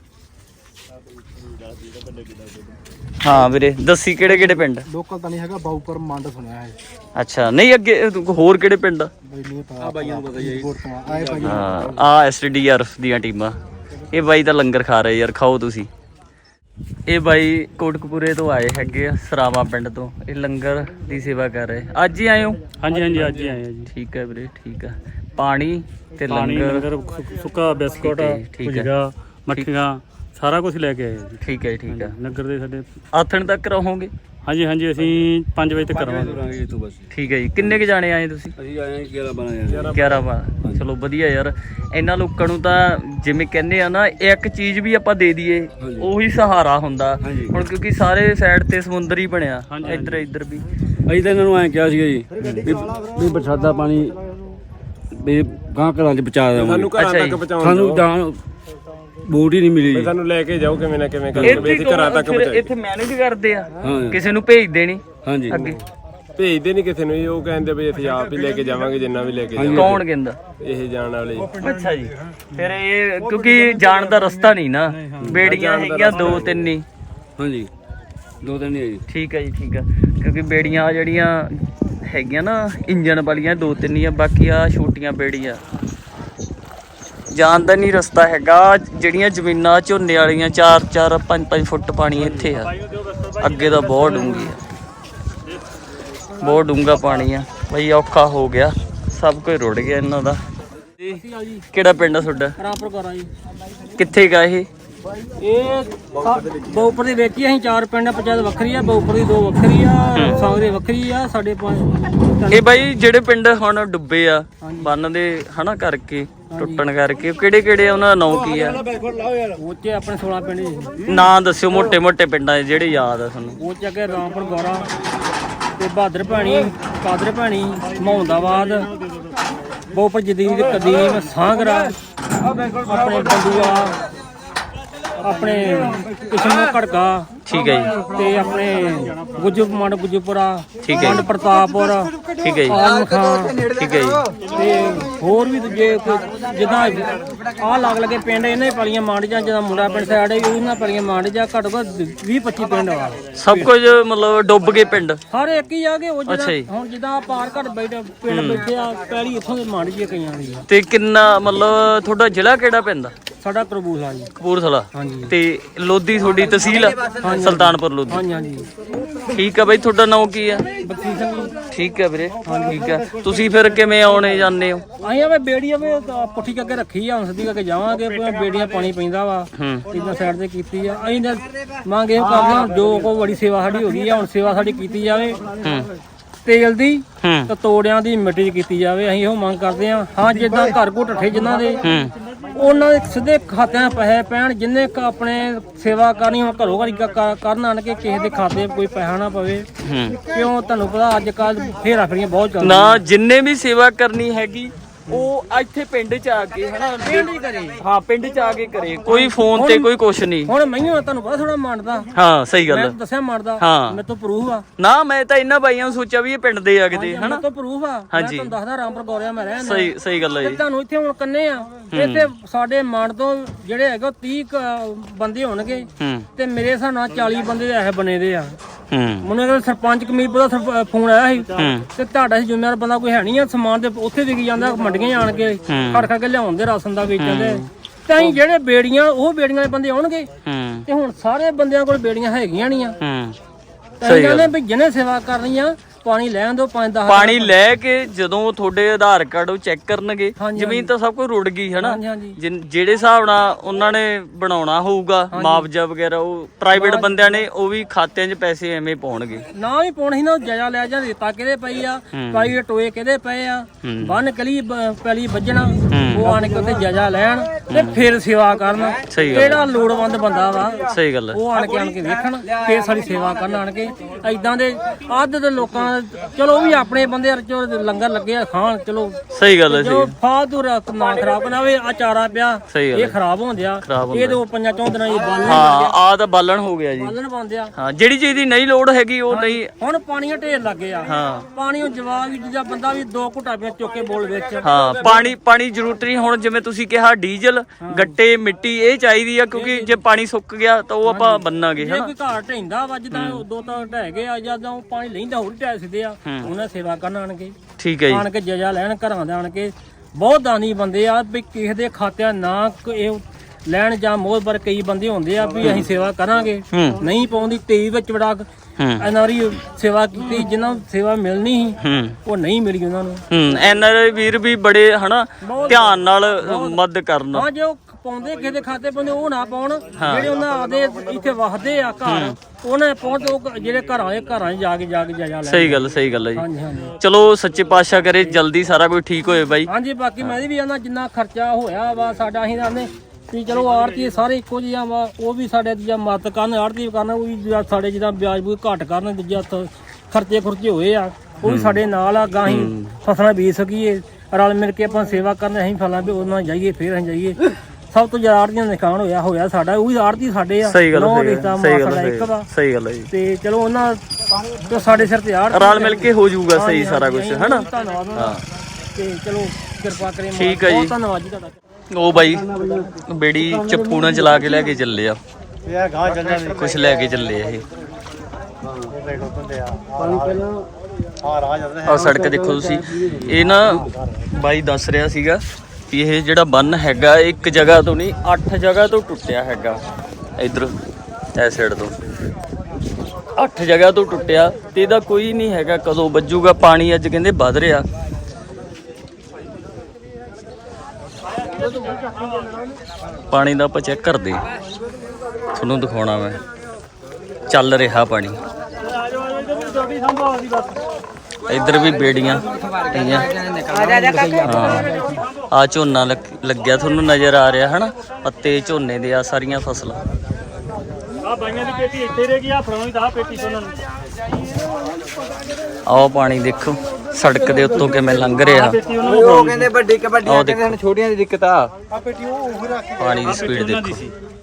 ਹਾਂ ਵੀਰੇ ਦੱਸੀ ਕਿਹੜੇ ਕਿਹੜੇ ਪਿੰਡ? ਲੋਕਲ ਤਾਂ ਨਹੀਂ ਹੈਗਾ, ਬਾਊਪੁਰ ਮੰਡ ਸੁਣਿਆ ਹੈ। ਅੱਛਾ, ਨਹੀਂ ਅੱਗੇ ਹੋਰ ਕਿਹੜੇ ਪਿੰਡ? ਬਈ ਨਹੀਂ ਪਤਾ। ਆ ਬਾਈਆਂ ਨੂੰ ਪਤਾ ਜੀ। ਆਏ ਭਾਈ। ਹਾਂ, ਆ ਐਸਡੀਆਰਐਫ ਦੀਆਂ ਟੀਮਾਂ। ਇਹ ਬਾਈ ਤਾਂ ਲੰਗਰ ਖਾ ਰਹੇ ਯਾਰ, ਖਾਓ ਤੁਸੀਂ। ਇਹ ਬਾਈ ਕੋਟਕਪੂਰੇ ਤੋਂ ਆਏ ਹੈਗੇ ਆ, ਸਰਾਵਾ ਪਿੰਡ ਤੋਂ। ਇਹ ਲੰਗਰ ਦੀ ਸੇਵਾ ਕਰ ਰਹੇ। ਅੱਜ ਹੀ ਆਏ ਹੋ? ਹਾਂਜੀ ਹਾਂਜੀ, ਅੱਜ ਹੀ ਆਏ ਆ ਜੀ। ਠੀਕ ਹੈ ਵੀਰੇ, ਠੀਕ ਆ। ਪਾਣੀ ਤੇ ਪਾਣੀ, ਲੰਗਰ, ਸੁੱਕਾ ਬਿਸਕੁਟ, ਠੀਕ ਹੈ। ਭੁਜੀਆ, ਮੱਠੀਆਂ ਸਾਰਾ ਕੁਝ ਲੈ ਕੇ ਆਏ ਜੀ। ਠੀਕ ਹੈ ਠੀਕ ਆ। ਨਗਰ ਦੇ ਸਾਡੇ ਆਥਣ ਤੱਕ ਰਹੋਗੇ? ਹਾਂਜੀ ਹਾਂਜੀ, ਅਸੀਂ 5 ਵਜੇ ਤੱਕ ਕਰਾਂਗੇ। ਠੀਕ ਹੈ ਜੀ। ਕਿੰਨੇ ਕੁ ਜਾਣੇ ਆਏ ਤੁਸੀਂ? ਅਸੀਂ ਆਏ 11-12 11 ਚਲੋ ਵਧੀਆ ਯਾਰ। ਇਹਨਾਂ ਲੋਕਾਂ ਨੂੰ ਤਾਂ ਜਿਵੇਂ ਕਹਿੰਦੇ ਆ ਨਾ, ਇੱਕ ਚੀਜ਼ ਵੀ ਆਪਾਂ ਦੇ ਦਈਏ ਉਹੀ ਸਹਾਰਾ ਹੁੰਦਾ। ਹੁਣ ਕਿਉਂਕਿ ਸਾਰੇ ਸਾਈਡ ਤੇ ਸਮੁੰਦਰ ਹੀ ਬਣਿਆ, ਇੱਧਰ ਵੀ। ਅਸੀਂ ਤਾਂ ਇਹਨਾਂ ਨੂੰ ਐਂ ਕਿਹਾ ਸੀਗਾ ਜੀ ਵੀ ਬਰਸਾਤਾਂ ਪਾਣੀ ਵੀ ਗਾਂ ਘਰਾਂ 'ਚ ਪਹੁੰਚਾ ਦੇਵਾਂਗੇ। ਸਾਨੂੰ ਘਰਾਂ ਤੱਕ ਪਹੁੰਚਾਉਣ ਸਾਨੂੰ ਜਾਣ ਬੋਟ ਹੀ ਨਹੀਂ ਮਿਲੀ ਜੀ। ਸਾਨੂੰ ਲੈ ਕੇ ਜਾਓ ਕਿਵੇਂ ਨਾ ਕਿਵੇਂ ਕਰਕੇ ਵੀ ਅਸੀਂ ਘਰਾਂ ਤੱਕ ਪਹੁੰਚਾਈਏ। ਇੱਥੇ ਮੈਨੇਜ ਕਰਦੇ ਆ, ਹਾਂ ਕਿਸੇ ਨੂੰ ਭੇਜਦੇ ਨਹੀਂ ਹਾਂਜੀ, ਅੱਗੇ? ਭੇਜਦੇ ਨਹੀਂ ਕਿਸੇ ਨੂੰ ਜੀ, ਉਹ ਕਹਿੰਦੇ ਵੀ ਅਸੀਂ ਆਪ ਹੀ ਲੈ ਕੇ ਜਾਵਾਂਗੇ ਜਿੰਨਾ ਵੀ ਲੈ ਕੇ ਜਾਵਾਂਗੇ। ਕੌਣ ਕਹਿੰਦਾ? ਇਹ ਜਾਣ ਵਾਲੇ ਜੀ। ਅੱਛਾ ਜੀ। ਫਿਰ ਇਹ ਕਿਉਂਕਿ ਜਾਣ ਦਾ ਰਸਤਾ ਨਹੀਂ ਨਾ, ਬੇੜੀਆਂ ਹੈਗੀਆਂ 2-3 ਹੀ। ਹਾਂਜੀ 2-3 ਹੀ ਹੈ ਜੀ। ਠੀਕ ਹੈ ਜੀ, ਠੀਕ ਆ। ਕਿਉਂਕਿ ਬੇੜੀਆਂ ਜਿਹੜੀਆਂ ਹੈਗੀਆਂ ਨਾ ਇੰਜਣ ਵਾਲੀਆਂ 2-3 ਹੀ ਆ, ਬਾਕੀ ਆ ਛੋਟੀਆਂ ਬੇੜੀਆਂ। ਜਾਣ ਦਾ ਨਹੀਂ ਰਸਤਾ ਹੈਗਾ। ਜਿਹੜੀਆਂ ਜ਼ਮੀਨਾਂ ਝੋਨੇ ਵਾਲੀਆਂ 4-4 5-5 ਫੁੱਟ ਪਾਣੀ ਇੱਥੇ ਆ, ਅੱਗੇ ਤਾਂ ਬਹੁਤ ਡੂੰਘੀ ਆ, ਬਹੁਤ ਡੂੰਘਾ ਪਾਣੀ ਆ ਬਈ। ਔਖਾ ਹੋ ਗਿਆ, ਸਭ ਕੁਝ ਰੁੜ ਗਿਆ ਇਹਨਾਂ ਦਾ। ਕਿਹੜਾ ਪਿੰਡ ਆ ਤੁਹਾਡਾ? ਰਾਮਪੁਰ ਕਰਾਂ ਜੀ। ਕਿੱਥੇ ਗਾ ਇਹ? ਇਹ ਬਾਊਪੁਰ ਦੇ ਵਿੱਚ ਹੀ ਅਸੀਂ 4 ਪਿੰਡ ਆ, ਪੰਚਾਇਤ ਵੱਖਰੀ ਆ, ਬਾਊਪੁਰ ਦੀ 2 ਵੱਖਰੀ ਆ, ਸਾਂਗਰੇ ਵੱਖਰੀ ਆ, ਸਾਡੇ 5। ਇਹ ਬਾਈ ਜਿਹੜੇ ਪਿੰਡ ਹੁਣ ਡੁੱਬੇ ਆ ਬੰਨ ਦੇ ਹਨਾ ਕਰਕੇ, ਟੁੱਟਣ ਕਰਕੇ, ਕਿਹੜੇ ਕਿਹੜੇ ਆ, ਉਹਨਾਂ ਦਾ ਨਾਂ ਕੀ ਆ? ਉਹ 'ਚ ਆਪਣੇ 16 ਪਿੰਡ ਜੀ। ਨਾਂ ਦੱਸਿਓ ਮੋਟੇ ਮੋਟੇ ਪਿੰਡਾਂ ਦੇ ਜਿਹੜੇ ਯਾਦ ਆ ਤੁਹਾਨੂੰ। ਉਹ 'ਚ ਅੱਗੇ ਰਾਮਪੁਰ ਗੌਰਾ ਤੇ ਬਹਾਦਰ ਭੈਣੀ, ਕਾਦਰ ਭੈਣੀ, ਮਹੌਂਦਾਬਾਦ, ਬਾਊਪੁਰ ਜਦੀਦ, ਕਦੀਮ, ਸਾਂਗਰਾ, ਆਪਣੇ ਬੰਦੂਆ, ਆਪਣੇ ਕਿਸ਼ਨੋ ਘੜਕਾ, ਠੀਕ ਹੈ ਜੀ, ਤੇ ਆਪਣੇ ਗੁੱਜੂਮੰਡ, ਗੁੱਜੂਪੁਰਾ, ਠੀਕ ਹੈ ਜੀ। ਮੰਡ ਪ੍ਰਤਾਪਪੁਰ, ਠੀਕ ਹੈ ਜੀ, ਆਲਮ ਖਾਂ, ਠੀਕ ਹੈ ਜੀ। ਤੇ ਹੋਰ ਵੀ ਦੂਜੇ ਜਿੱਦਾਂ ਆਹ ਲੱਗ ਲਗੇ ਪਿੰਡ, ਇਹਨਾਂ ਹੀ ਪਲੀਆਂ ਮੰਡ ਜਾਂ ਜਿੱਦਾਂ ਮੁੰਡਾ ਪਿੰਡ ਸਾਈਡ ਹੈ ਉਹਨਾਂ ਪਲੀਆਂ ਮੰਡ ਜਾਂ ਘੱਟ ਘੱਟ 20-25 ਪਿੰਡ ਆ। ਸਭ ਕੁਝ ਮਤਲਬ ਡੁੱਬ ਗਏ ਪਿੰਡ? ਹਰ ਇੱਕ ਹੀ ਆ ਗਏ। ਉਹ ਅੱਛਾ ਜੀ। ਜਿਹੜਾ ਹੁਣ ਜਿੱਦਾਂ ਪਾਰ ਘੱਟ ਬੈਠੇ ਪਿੰਡ ਬੈਠੇ ਆ, ਪਹਿਲੀ ਇੱਥੋਂ ਦੇ ਮੰਡ ਜੀ ਕਈਆਂ ਦੀ ਆ। ਤੇ ਕਿੰਨਾ ਮਤਲਬ ਤੁਹਾਡਾ ਜ਼ਿਲ੍ਹਾ ਕਿਹੜਾ ਪੈਂਦਾ? ਸਾਡਾ ਕਰਬੂਲਾ ਜੀ। ਕਪੂਰਥਲਾ। ਹਾਂਜੀ। ਤੇ ਲੋਧੀ ਤੁਹਾਡੀ ਤਹਿਸੀਲ ਆ? ਸੁਲਤਾਨਪੁਰ ਲੋਧੀ। ਹਾਂਜੀ ਹਾਂਜੀ। ਠੀਕ ਆ ਬਾਈ, ਤੁਹਾਡਾ ਨਾਮ ਕੀ ਆ? ਬਖਸ਼ੀ ਸਿੰਘ। ਠੀਕ ਆ ਵੀਰੇ, ਠੀਕ ਆ। ਤੁਸੀਂ ਫਿਰ ਕਿਵੇਂ ਆਉਣੇ ਜਾਂਦੇ ਹੋ? ਅਸੀਂ ਆਵੇ ਬੇੜੀਆਂ ਵੇ ਪੁੱਠੀ ਕਰਕੇ ਰੱਖੀ ਆ, ਹੁਣ ਸਿੱਧੀ ਕਰਕੇ ਜਾਵਾਂਗੇ। ਬੇੜੀਆਂ ਪਾਣੀ ਪੈਂਦਾ ਵਾ, ਇਦਾਂ ਸਾਈਡ ਤੇ ਕੀਤੀ ਆ। ਅਸੀਂ ਤਾਂ ਮੰਗ ਇਹੋ ਕਰਦੇ ਹਾਂ, ਜੋ ਕੋ ਬੜੀ ਸੇਵਾ ਸਾਡੀ ਹੋ ਗਈ ਆ, ਹੁਣ ਸੇਵਾ ਸਾਡੀ ਕੀਤੀ ਜਾਵੇ। ਤੇਲ ਦੀ ਤੇ ਤੋੜਿਆਂ ਦੀ ਮਿੱਟੀ 'ਚ ਕੀਤੀ ਜਾਵੇ, ਅਸੀਂ ਇਹੋ ਮੰਗ ਕਰਦੇ ਹਾਂ। ਹਾਂ, ਜਿੱਦਾਂ ਘਰ ਘੁੱਟ ਠੇ ਜਿਨ੍ਹਾਂ ਦੇ, ਉਹਨਾਂ ਦੇ ਸਿੱਧੇ ਖਾਤਿਆਂ ਪੈਸੇ ਪੈਣ। ਜਿੰਨੇ ਆਪਣੇ ਸੇਵਾ ਕਰਨੀ ਹੁਣ ਘਰੋਂ ਘਰੀ ਕਰਨ ਆਣ ਕੇ, ਕਿਸੇ ਦੇ ਖਾਤੇ ਕੋਈ ਪੈਸਾ ਨਾ ਪਵੇ। ਕਿਉਂ ਤੁਹਾਨੂੰ ਪਤਾ ਅੱਜ ਕੱਲ ਫੇਰਾ ਫੇਰੀਆਂ ਬਹੁਤ ਚੱਲਦੀਆਂ ਨਾ, ਜਿੰਨੇ ਵੀ ਸੇਵਾ ਕਰਨੀ ਹੈਗੀ ਉਹ ਇੱਥੇ ਪਿੰਡ ਚ ਆ ਕੇ ਹਨਾ ਪਿੰਡ ਹੀ ਕਰੇ। ਹਾਂ ਪਿੰਡ ਚ ਆ ਕੇ ਕਰੇ, ਕੋਈ ਫੋਨ ਤੇ ਕੋਈ ਕੁਛ ਨਹੀਂ। ਹੁਣ ਮੈਨੂੰ ਤੁਹਾਨੂੰ ਪਤਾ ਥੋੜਾ ਮੰਨਦਾ, ਹਾਂ ਸਹੀ ਗੱਲ ਮੈਂ ਆ। ਦੱਸਿਆ ਮੰਨਦਾ, ਹਾਂ। ਮੇਰੇ ਤੋਂ ਪ੍ਰੂਫ ਆ। ਨਾ ਮੈਂ ਤਾਂ ਇਹਨਾਂ ਬਾਈਆਂ ਨੂੰ ਸੋਚਿਆ ਵੀ ਇਹ ਪਿੰਡ ਦੇ ਆ ਕਿਤੇ ਹਨਾ। ਮੇਰੇ ਤੋਂ ਪ੍ਰੂਫ ਆ, ਮੈਂ ਹਾਂਜੀ। ਤੁਹਾਨੂੰ ਦੱਸਦਾ ਰਾਮਪੁਰ ਗੌਰਿਆ ਮੈਂ ਰਹਿੰਦਾ। ਸਹੀ ਗੱਲ ਹੈ ਤੇ ਜੀ। ਤੁਹਾਨੂੰ ਇੱਥੇ ਹੁਣ ਕੰਨੇ ਆ, ਇੱਥੇ ਸਾਡੇ ਮੰਡ ਤੋਂ ਜਿਹੜੇ ਹੈਗੇ 30 ਬੰਦੇ ਹੋਣਗੇ ਹੂੰ ਤੇ ਮੇਰੇ ਹਿਸਾਬ ਨਾਲ 40 ਬੰਦੇ ਇਹ ਬਣੇ ਦੇ ਆ। ਹੂੰ ਮੈਨੂੰ ਕਹਿੰਦਾ ਸਰਪੰਚ ਕਮੀਰਪੁਰ ਦਾ ਫੋਨ ਆਇਆ ਸੀ ਤੇ ਤੁਹਾਡਾ ਸੀ ਜ਼ਿੰਮੇਵਾਰ ਬੰਦਾ ਕੋਈ ਹੈ ਨਹੀਂ ਆ, ਸਮਾਨ ਦੇ ਉੱਥੇ ਵਿਕੀ ਜਾਂਦਾ ਮੰਡੀਆਂ ਆਣ ਕੇ ਖੜ ਕੇ ਲਿਆਉਣ ਦੇ ਰਾਸ਼ਨ ਦਾ ਵੇਚਣ ਦੇ। ਤਾਂ ਅਸੀਂ ਜਿਹੜੇ ਬੇੜੀਆਂ ਉਹ ਬੇੜੀਆਂ ਦੇ ਬੰਦੇ ਆਉਣਗੇ ਹੂੰ ਤੇ ਹੁਣ ਸਾਰੇ ਬੰਦਿਆਂ ਕੋਲ ਬੇੜੀਆਂ ਹੈਗੀਆਂ ਨਹੀਂ ਆ। ਹੂੰ ਸਹੀ ਗੱਲ ਹੈ ਵੀ ਜਿਹਨੇ ਸੇਵਾ ਕਰਨੀ ਆ ਪਾਣੀ ਲੈਣ ਦਿਓ 5-10 ਪਾਣੀ ਲੈ ਕੇ ਜਦੋਂ ਤੁਹਾਡੇ ਆਧਾਰ ਕਾਰਡ ਉਹ ਚੈੱਕ ਕਰਨਗੇ, ਹਾਂਜੀ, ਜ਼ਮੀਨ ਤਾਂ ਸਭ ਕੁਝ ਰੁੜ ਗਈ ਹਨਾ। ਹਾਂਜੀ ਹਾਂਜੀ ਜਿਹੜੇ ਹਿਸਾਬ ਨਾਲ ਉਹਨਾਂ ਨੇ ਬਣਾਉਣਾ ਹੋਊਗਾ ਮੁਆਵਜ਼ਾ ਵਗੈਰਾ, ਉਹ ਪ੍ਰਾਈਵੇਟ ਬੰਦਿਆਂ ਨੇ ਉਹ ਵੀ ਖਾਤਿਆਂ 'ਚ ਪੈਸੇ ਐਵੇਂ ਪਾਉਣਗੇ। ਨਾ ਵੀ ਪਾਉਣੀ ਨਾ, ਜਾਇਆ ਲੈ ਜਾਂ ਰੇਤਾ ਕਿਹਦੇ ਪਈ ਆ, ਪਾਈ ਟੋਏ ਕਿਹਦੇ ਪਏ ਆ, ਬੰਨ ਕਲੀ ਪੈਲੀ ਵੱਜਣਾ, ਉਹ ਆਣ ਕੇ ਉੱਥੇ ਜਾਇਆ ਲੈਣ ਤੇ ਫਿਰ ਸੇਵਾ ਕਰਨ। ਸਹੀ ਗੱਲ ਕਿਹੜਾ ਲੋੜਵੰਦ ਬੰਦਾ ਵਾ ਸਹੀ ਗੱਲ ਹੈ। ਉਹ ਆਣ ਕੇ ਵੇਖਣ, ਫਿਰ ਸਾਡੀ ਸੇਵਾ ਕਰਨ ਆਣ ਕੇ। ਐਦਾਂ ਦੇ ਅੱਧ ਦੇ ਲੋਕਾਂ ਚਲੋ ਉਹ ਵੀ ਆਪਣੇ ਬੰਦੇ ਚੋ ਲੰਗਰ ਲੱਗੇ ਆ ਖਾਣ, ਚਲੋ ਸਹੀ ਗੱਲ ਹੈ। ਜੋ ਫਾਲਤੂ ਨਾ ਖਰਾਬ ਨਾ ਹੋਵੇ। ਆ ਚਾਰਾ ਪਿਆ ਸਹੀ ਗੱਲ ਇਹ ਖਰਾਬ ਹੁੰਦਿਆ, ਇਹ ਤੋਂ 5-4 ਦਿਨਾਂ ਇਹ ਬਾਲਣ ਹਾਂ ਆ ਤਾਂ ਬਾਲਣ ਹੋ ਗਿਆ ਜੀ। ਬਾਲਣ ਪਾਉਂਦੇ ਆ। ਹਾਂ ਜਿਹੜੀ ਚੀਜ਼ ਦੀ ਨਹੀਂ ਲੋੜ ਹੈਗੀ ਉਹ ਨਹੀਂ। ਹੁਣ ਪਾਣੀਆਂ ਢੇਰ ਲੱਗੇ ਆ। ਹਾਂ ਪਾਣੀ ਨੂੰ ਜਵਾਬ ਵੀ ਜਿਹੜਾ ਬੰਦਾ ਵੀ 2 ਘੁੱਟਾਂ ਪਿਆ ਚੁੱਕ ਕੇ ਬੋਲ ਵਿੱਚ। ਹਾਂ ਪਾਣੀ ਜ਼ਰੂਰਤ ਨਹੀਂ। ਹੁਣ ਜਿਵੇਂ ਤੁਸੀਂ ਕਿਹਾ ਡੀਜ਼ਲ ਗੱਟੇ ਮਿੱਟੀ ਇਹ ਚਾਹੀਦੀ ਆ, ਕਿਉਂਕਿ ਜੇ ਪਾਣੀ ਸੁੱਕ ਗਿਆ ਤਾਂ ਉਹ ਆਪਾਂ ਬੰਨਾਂਗੇ ਜੇ ਹਨਾ। ਕੋਈ ਘਰ ਢੈਂਦਾ ਵਾ ਜਿੱਦਾਂ 2 ਢਹਿ ਗਏ ਆ, ਜਦੋਂ ਉਹ ਪਾਣੀ ਲੈਂਦਾ ਹੋਰ ਢਹਿ ਸਿੱਧੇ ਆ, ਉਹਨਾਂ ਸੇਵਾ ਕਰਨ ਆਣਗੇ। ਠੀਕ ਹੈ ਜੀ। ਆਣ ਕੇ ਜਜਾ ਲੈਣ ਘਰਾਂ ਦੇ ਆਣ ਕੇ। ਬਹੁਤ ਦਾਨੀ ਬੰਦੇ ਆ ਵੀ ਕਿਸੇ ਦੇ ਖਾਤਿਆਂ ਨਾ ਇਹ ਲੈਣ ਜਾਂ ਮੋਹਬਰ ਕਈ ਬੰਦੇ ਹੁੰਦੇ ਆ ਵੀ ਅਸੀਂ ਸੇਵਾ ਕਰਾਂਗੇ, ਨਹੀਂ ਪਾਉਂਦੀ ਟੀਵੀ ਵਿੱਚ ਵੜਾ ਇਹਨਾਂ ਵਾਰੀ ਸੇਵਾ ਕੀਤੀ, ਜਿਨ੍ਹਾਂ ਨੂੰ ਸੇਵਾ ਮਿਲਣੀ ਸੀ ਉਹ ਨਹੀਂ ਮਿਲੀ ਉਹਨਾਂ ਨੂੰ। ਐਨਆਰਆਈ ਵੀਰ ਵੀ ਬੜੇ ਹਨਾ ਧਿਆਨ ਨਾਲ ਮਦਦ ਕਰਨਾ। ਹਾਂ ਜੇ ਉਹ ਪਾਉਂਦੇ ਕਿਸੇ ਦੇ ਖਾਤੇ ਪਾਉਂਦੇ ਉਹ ਨਾ ਪਾਉਣ, ਜਿਹੜੇ ਉਹਨਾਂ ਆਦੇ ਇੱਥੇ ਵਸਦੇ ਆ ਘਰ ਉਹਨਾਂ ਪਹੁੰਚ, ਉਹ ਜਿਹੜੇ ਘਰਾਂ 'ਚ ਜਾ ਕੇ ਜਾਇਆ ਲੈ। ਸਹੀ ਗੱਲ ਹੈ ਜੀ। ਹਾਂਜੀ ਹਾਂਜੀ ਚਲੋ ਸੱਚੇ ਪਾਤਸ਼ਾਹ ਕਰੇ ਜਲਦੀ ਸਾਰਾ ਕੁਝ ਠੀਕ ਹੋਏ ਬਾਈ। ਹਾਂਜੀ। ਬਾਕੀ ਮੈਂ ਵੀ ਆਨਾ ਜਿੰਨਾ ਖਰਚਾ ਹੋਇਆ ਵਾ ਸਾਡਾ, ਅਸੀਂ ਆਨੇ ਵੀ ਚਲੋ ਆੜਤੀ ਸਾਰੇ ਇੱਕੋ ਜਿਹਾ ਵਾ, ਉਹ ਵੀ ਸਾਡੇ ਜਾਂ ਮਦਦ ਕਰਨ, ਆੜਤੀ ਕਰਨ, ਉਹ ਵੀ ਸਾਡੇ ਜਿੱਦਾਂ ਵਿਆਜ ਬੂਜ ਘੱਟ ਕਰਨ, ਦੂਜਾ ਖਰਚੇ ਹੋਏ ਆ ਉਹ ਵੀ ਸਾਡੇ ਨਾਲ ਆ। ਗਾਂ ਅਸੀਂ ਫਸਲਾਂ ਬੀਜ ਸਕੀਏ, ਰਲ ਮਿਲ ਕੇ ਆਪਾਂ ਸੇਵਾ ਕਰਨ, ਅਸੀਂ ਫਲਾਂ ਵੀ ਉਹਨਾਂ ਜਾਈਏ, ਫਿਰ ਅਸੀਂ ਜਾਈਏ। ਸਭ ਤੋਂ ਜ਼ਿਆਦਾ ਆੜਤੀਆਂ ਦਾ ਨੁਕਸਾਨ ਹੋਇਆ ਸਾਡਾ, ਉਹ ਵੀ ਆੜਤੀ ਸਾਡੇ ਆ। ਸਹੀ ਗੱਲ ਹੈ ਜੀ। ਤੇ ਚਲੋ ਉਹਨਾਂ ਤੋਂ ਸਾਡੇ ਸਿਰ ਤੇ ਆੜ ਰਲ ਮਿਲ ਕੇ ਹੋ ਜਾਊਗਾ ਸਹੀ ਸਾਰਾ ਕੁਝ ਹਨਾ। ਧੰਨਵਾਦ ਤੇ ਚਲੋ ਕਿਰਪਾ ਕਰੇ। ਠੀਕ ਹੈ ਜੀ। ਧੰਨਵਾਦ ਜੀ ਤੁਹਾਡਾ। ਉਹ ਬਾਈ ਬੇੜੀ ਚੱਪੂ ਨਾਲ ਚਲਾ ਕੇ ਲੈ ਕੇ ਚੱਲੇ ਆ, ਕੁਛ ਲੈ ਕੇ ਚੱਲੇ ਆ ਇਹ। ਆਹ ਸੜਕ ਦੇਖੋ ਤੁਸੀਂ, ਇਹ ਨਾ ਬਾਈ ਦੱਸ ਰਿਹਾ ਸੀਗਾ ਵੀ ਇਹ ਜਿਹੜਾ ਬੰਨ ਹੈਗਾ ਇੱਕ ਜਗ੍ਹਾ ਤੋਂ ਨਹੀਂ 8 ਜਗ੍ਹਾ ਤੋਂ ਟੁੱਟਿਆ ਹੈਗਾ। ਇਧਰ ਇਸ ਸਾਈਡ ਤੋਂ 8 ਜਗ੍ਹਾ ਤੋਂ ਟੁੱਟਿਆ ਤੇ ਇਹਦਾ ਕੋਈ ਨਹੀਂ ਹੈਗਾ ਕਦੋਂ ਵੱਜੂਗਾ ਪਾਣੀ। ਅੱਜ ਕਹਿੰਦੇ ਵੱਧ ਰਿਹਾ। ਪਾਣੀ ਦਾ ਆਪਾਂ ਚੈੱਕ ਕਰਦੇ, ਤੁਹਾਨੂੰ ਦਿਖਾਉਣਾ ਮੈਂ। ਚੱਲ ਰਿਹਾ ਪਾਣੀ। ਇੱਧਰ ਵੀ ਬੇੜੀਆਂ ਹੈਗੀਆਂ। ਹਾਂ ਆ ਝੋਨਾ ਲੱਗਿਆ ਤੁਹਾਨੂੰ ਨਜ਼ਰ ਆ ਰਿਹਾ ਹਨਾ, ਪੱਤੇ ਝੋਨੇ ਦੇ ਆ ਸਾਰੀਆਂ ਫਸਲਾਂ। ਆ ਬਾਈਆਂ ਦੀ ਪੇਟੀ ਇੱਥੇ ਰਹਿ ਗਈ, ਆ ਫੜਾਉਣੀ ਤਾਂ ਆ ਪੇਟੀ ਉਹਨਾਂ ਨੂੰ। ਆਹ ਪਾਣੀ ਦੇਖੋ ਸੜਕ ਦੇ ਉੱਤੋਂ ਕਿਵੇਂ ਲੰਘ ਰਿਹਾ। ਉਹ ਕਹਿੰਦੇ ਵੱਡੀ ਕਬੱਡੀਆਂ ਕਹਿੰਦੇ ਹਨ, ਛੋਟੀਆਂ ਦੀ ਦਿੱਕਤ ਆ। ਪਾਣੀ ਦੀ ਸਪੀਡ ਦੇਖੋ।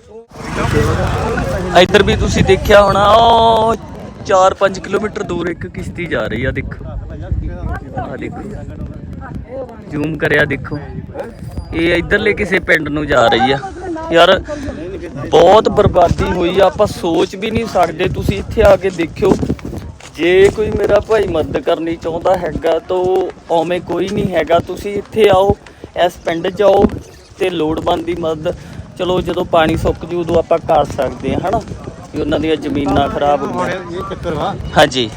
ਇੱਧਰ ਵੀ ਤੁਸੀਂ ਦੇਖਿਆ ਹੋਣਾ, ਉਹ 4-5 ਕਿਲੋਮੀਟਰ ਦੂਰ ਇੱਕ ਕਿਸ਼ਤੀ ਜਾ ਰਹੀ ਆ। ਦੇਖੋ ਆ ਦੇਖੋ, ਜ਼ੂਮ ਕਰਿਆ ਦੇਖੋ, ਇਹ ਇੱਧਰਲੇ ਕਿਸੇ ਪਿੰਡ ਨੂੰ ਜਾ ਰਹੀ ਆ। ਯਾਰ ਬਹੁਤ ਬਰਬਾਦੀ ਹੋਈ ਆ, ਆਪਾਂ ਸੋਚ ਵੀ ਨਹੀਂ ਸਕਦੇ। ਤੁਸੀਂ ਇੱਥੇ ਆ ਕੇ ਦੇਖਿਓ, ਜੇ ਕੋਈ ਮੇਰਾ ਭਾਈ ਮਦਦ ਕਰਨੀ ਚਾਹੁੰਦਾ ਹੈਗਾ ਤਾਂ ਉਵੇਂ ਕੋਈ ਨਹੀਂ ਹੈਗਾ। ਤੁਸੀਂ ਇੱਥੇ ਆਓ, ਇਸ ਪਿੰਡ 'ਚ ਆਓ ਤੇ ਲੋੜਵੰਦ ਦੀ ਮਦਦ। ਚਲੋ ਜਦੋਂ ਪਾਣੀ ਸੁੱਕ ਜੂ ਉਦੋਂ ਆਪਾਂ ਕਰ ਸਕਦੇ ਹਾਂ ਹਨਾ, ਕਿ ਉਹਨਾਂ ਦੀਆਂ ਜ਼ਮੀਨਾਂ ਖਰਾਬ ਹੋ ਗਈਆਂ। ਇਹ ਚੱਕਰ ਵਾ ਹਾਂਜੀ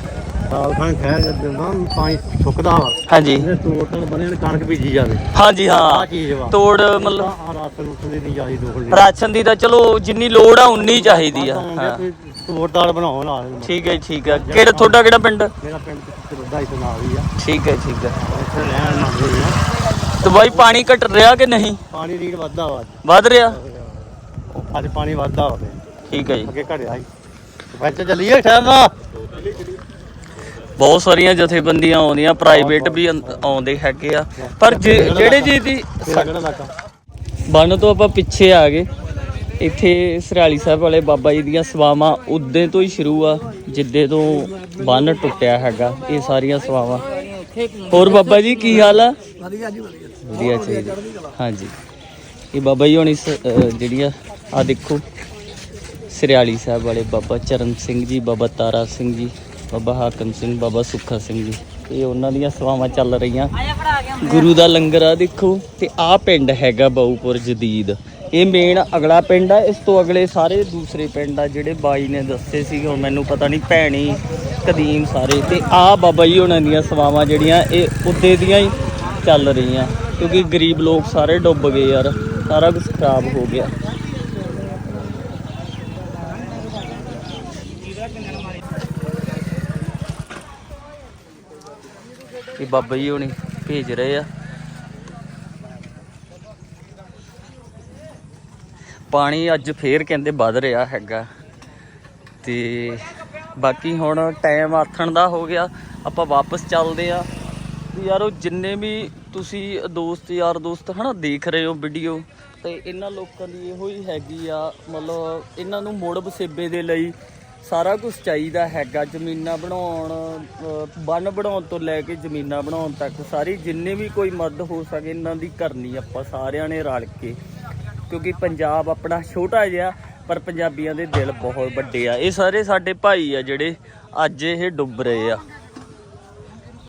ਪਾਣੀ ਸੁੱਕਦਾ ਵਾ, ਹਾਂਜੀ ਤੋੜ ਬਣੇ ਕਣਕ ਬੀਜੀ ਜਾਵੇ। ਹਾਂਜੀ ਹਾਂ ਚੀਜ਼ ਵਾ ਤੋੜ ਮਤਲਬ ਰਾਸ਼ਨ ਦੀ ਨਹੀਂ ਚਾਹੀਦੀ, ਰਾਸ਼ਨ ਦੀ ਤਾਂ ਚਲੋ ਜਿੰਨੀ ਲੋੜ ਆ ਉਨੀ ਚਾਹੀਦੀ ਆ। ਹਾਂ ਤੋੜਦਾਰ ਬਣਾਓ ਨਾਲ। ਠੀਕ ਹੈ ਠੀਕ ਹੈ। ਕਿਹੜਾ ਤੁਹਾਡਾ ਕਿਹੜਾ ਪਿੰਡ? ਮੇਰਾ ਪਿੰਡ 250 ਨਾਲ ਹੀ ਆ। ਠੀਕ ਹੈ ਠੀਕ ਹੈ। ਇੱਥੇ ਰਹਿਣ ਮੰਗਦੇ ਆ। ਤੇ ਬਾਈ ਪਾਣੀ ਘਟ ਰਿਹਾ ਕਿ ਨਹੀਂ? ਪਾਣੀ ਰੀਡ ਵੱਧਦਾ ਵਾ, ਵੱਧ ਰਿਹਾ। ਅੱਜ ਪਾਣੀ ਵੱਧਦਾ ਵਾ, ਠੀਕ ਹੈ ਜੀ। ਅੱਗੇ ਘਟਿਆ ਸੀ। ਵਿੱਚ ਚੱਲੀਏ ਠਹਿਰਨਾ। ਬਹੁਤ ਸਾਰੀਆਂ ਜਥੇਬੰਦੀਆਂ ਆਉਂਦੀਆਂ, ਪ੍ਰਾਈਵੇਟ ਵੀ ਆਉਂਦੇ ਹੈਗੇ ਆ, ਪਰ ਜਿਹੜੇ ਜੀ ਦੀ ਬੰਨ ਤੋਂ ਆਪਾਂ ਪਿੱਛੇ ਆ ਗਏ, ਇੱਥੇ ਸਰਾਲੀ ਸਾਹਿਬ ਵਾਲੇ ਬਾਬਾ ਜੀ ਦੀਆਂ ਸੇਵਾਵਾਂ ਉਦੋਂ ਤੋਂ ਹੀ ਸ਼ੁਰੂ ਆ, ਜਿੱਦੇ ਤੋਂ ਬੰਨ ਟੁੱਟਿਆ ਹੈਗਾ। ਇਹ ਸਾਰੀਆਂ ਸੇਵਾਵਾਂ। ਹੋਰ ਬਾਬਾ ਜੀ ਕੀ ਹਾਲ ਆ? ਵਧੀਆ ਚਾਹੀਦਾ। ਹਾਂਜੀ, ਇਹ ਬਾਬਾ ਜੀ ਹੋਣੀ ਜਿਹੜੀਆਂ ਆ ਦੇਖੋ, ਸਰਿਆਲੀ ਸਾਹਿਬ ਵਾਲੇ ਬਾਬਾ ਚਰਨ ਸਿੰਘ ਜੀ, ਬਾਬਾ ਤਾਰਾ ਸਿੰਘ ਜੀ, ਬਾਬਾ ਹਾਕਮ ਸਿੰਘ, ਬਾਬਾ ਸੁੱਖਾ ਸਿੰਘ ਜੀ, ਇਹ ਉਹਨਾਂ ਦੀਆਂ ਸੇਵਾਵਾਂ ਚੱਲ ਰਹੀਆਂ। ਗੁਰੂ ਦਾ ਲੰਗਰ ਆ ਦੇਖੋ। ਤੇ ਆਹ ਪਿੰਡ ਹੈਗਾ ਬਾਊਪੁਰ ਜਦੀਦ, ਇਹ ਮੇਨ ਅਗਲਾ ਪਿੰਡ ਆ। ਇਸ ਤੋਂ ਅਗਲੇ ਸਾਰੇ ਦੂਸਰੇ ਪਿੰਡ ਆ ਜਿਹੜੇ ਬਾਈ ਨੇ ਦੱਸੇ ਸੀ, ਹੁਣ ਮੈਨੂੰ ਪਤਾ ਨਹੀਂ, ਭੈਣੀ, ਕਦੀਮ ਸਾਰੇ। ਤੇ ਆਹ ਬਾਬਾ ਜੀ ਉਹਨਾਂ ਦੀਆਂ ਸੇਵਾਵਾਂ ਜਿਹੜੀਆਂ ਇਹ ਉੱਦੇ ਦੀਆਂ ਹੀ ਚੱਲ ਰਹੀਆਂ, ਕਿਉਂਕਿ ਗਰੀਬ ਲੋਕ ਸਾਰੇ ਡੁੱਬ ਗਏ ਯਾਰ, ਸਾਰਾ ਕੁਝ ਖਰਾਬ ਹੋ ਗਿਆ। ਇਹ ਬਾਬਾ ਜੀ ਹੁਣੀ ਭੇਜ ਰਹੇ ਆ ਪਾਣੀ। ਅੱਜ ਫੇਰ ਕਹਿੰਦੇ ਵੱਧ ਰਿਹਾ ਹੈਗਾ। ਤੇ ਬਾਕੀ ਹੁਣ ਟਾਈਮ ਆਥਣ ਦਾ ਹੋ ਗਿਆ, ਆਪਾਂ ਵਾਪਸ ਚੱਲਦੇ ਆ। ਯਾਰ ਉਹ ਜਿੰਨੇ ਵੀ ਤੁਸੀਂ ਦੋਸਤ ਯਾਰ ਦੋਸਤ ਹਨਾ ਦੇਖ ਰਹੇ ਹੋ ਵੀਡੀਓ, ਤੇ ਇਹਨਾਂ ਲੋਕਾਂ ਦੀ ਇਹੋ ਹੀ ਹੈਗੀ ਆ, ਮਤਲਬ ਇਹਨਾਂ ਨੂੰ ਮੁੜ ਵਸੇਬੇ ਦੇ ਲਈ ਸਾਰਾ ਕੁਝ ਚਾਹੀਦਾ ਹੈਗਾ। ਜ਼ਮੀਨਾਂ ਬਣਾਉਣ, ਬੰਨ ਬਣਾਉਣ ਤੋਂ ਲੈ ਕੇ ਜ਼ਮੀਨਾਂ ਬਣਾਉਣ ਤੱਕ ਸਾਰੀ ਜਿੰਨੇ ਵੀ ਕੋਈ ਮਦਦ ਹੋ ਸਕੇ ਇਹਨਾਂ ਦੀ ਕਰਨੀ ਆਪਾਂ ਸਾਰਿਆਂ ਨੇ ਰਲ ਕੇ, ਕਿਉਂਕਿ ਪੰਜਾਬ ਆਪਣਾ ਛੋਟਾ ਜਿਹਾ ਪਰ ਪੰਜਾਬੀਆਂ ਦੇ ਦਿਲ ਬਹੁਤ ਵੱਡੇ ਆ। ਇਹ ਸਾਰੇ ਸਾਡੇ ਭਾਈ ਆ ਜਿਹੜੇ ਅੱਜ ਇਹ ਡੁੱਬ ਰਹੇ ਆ।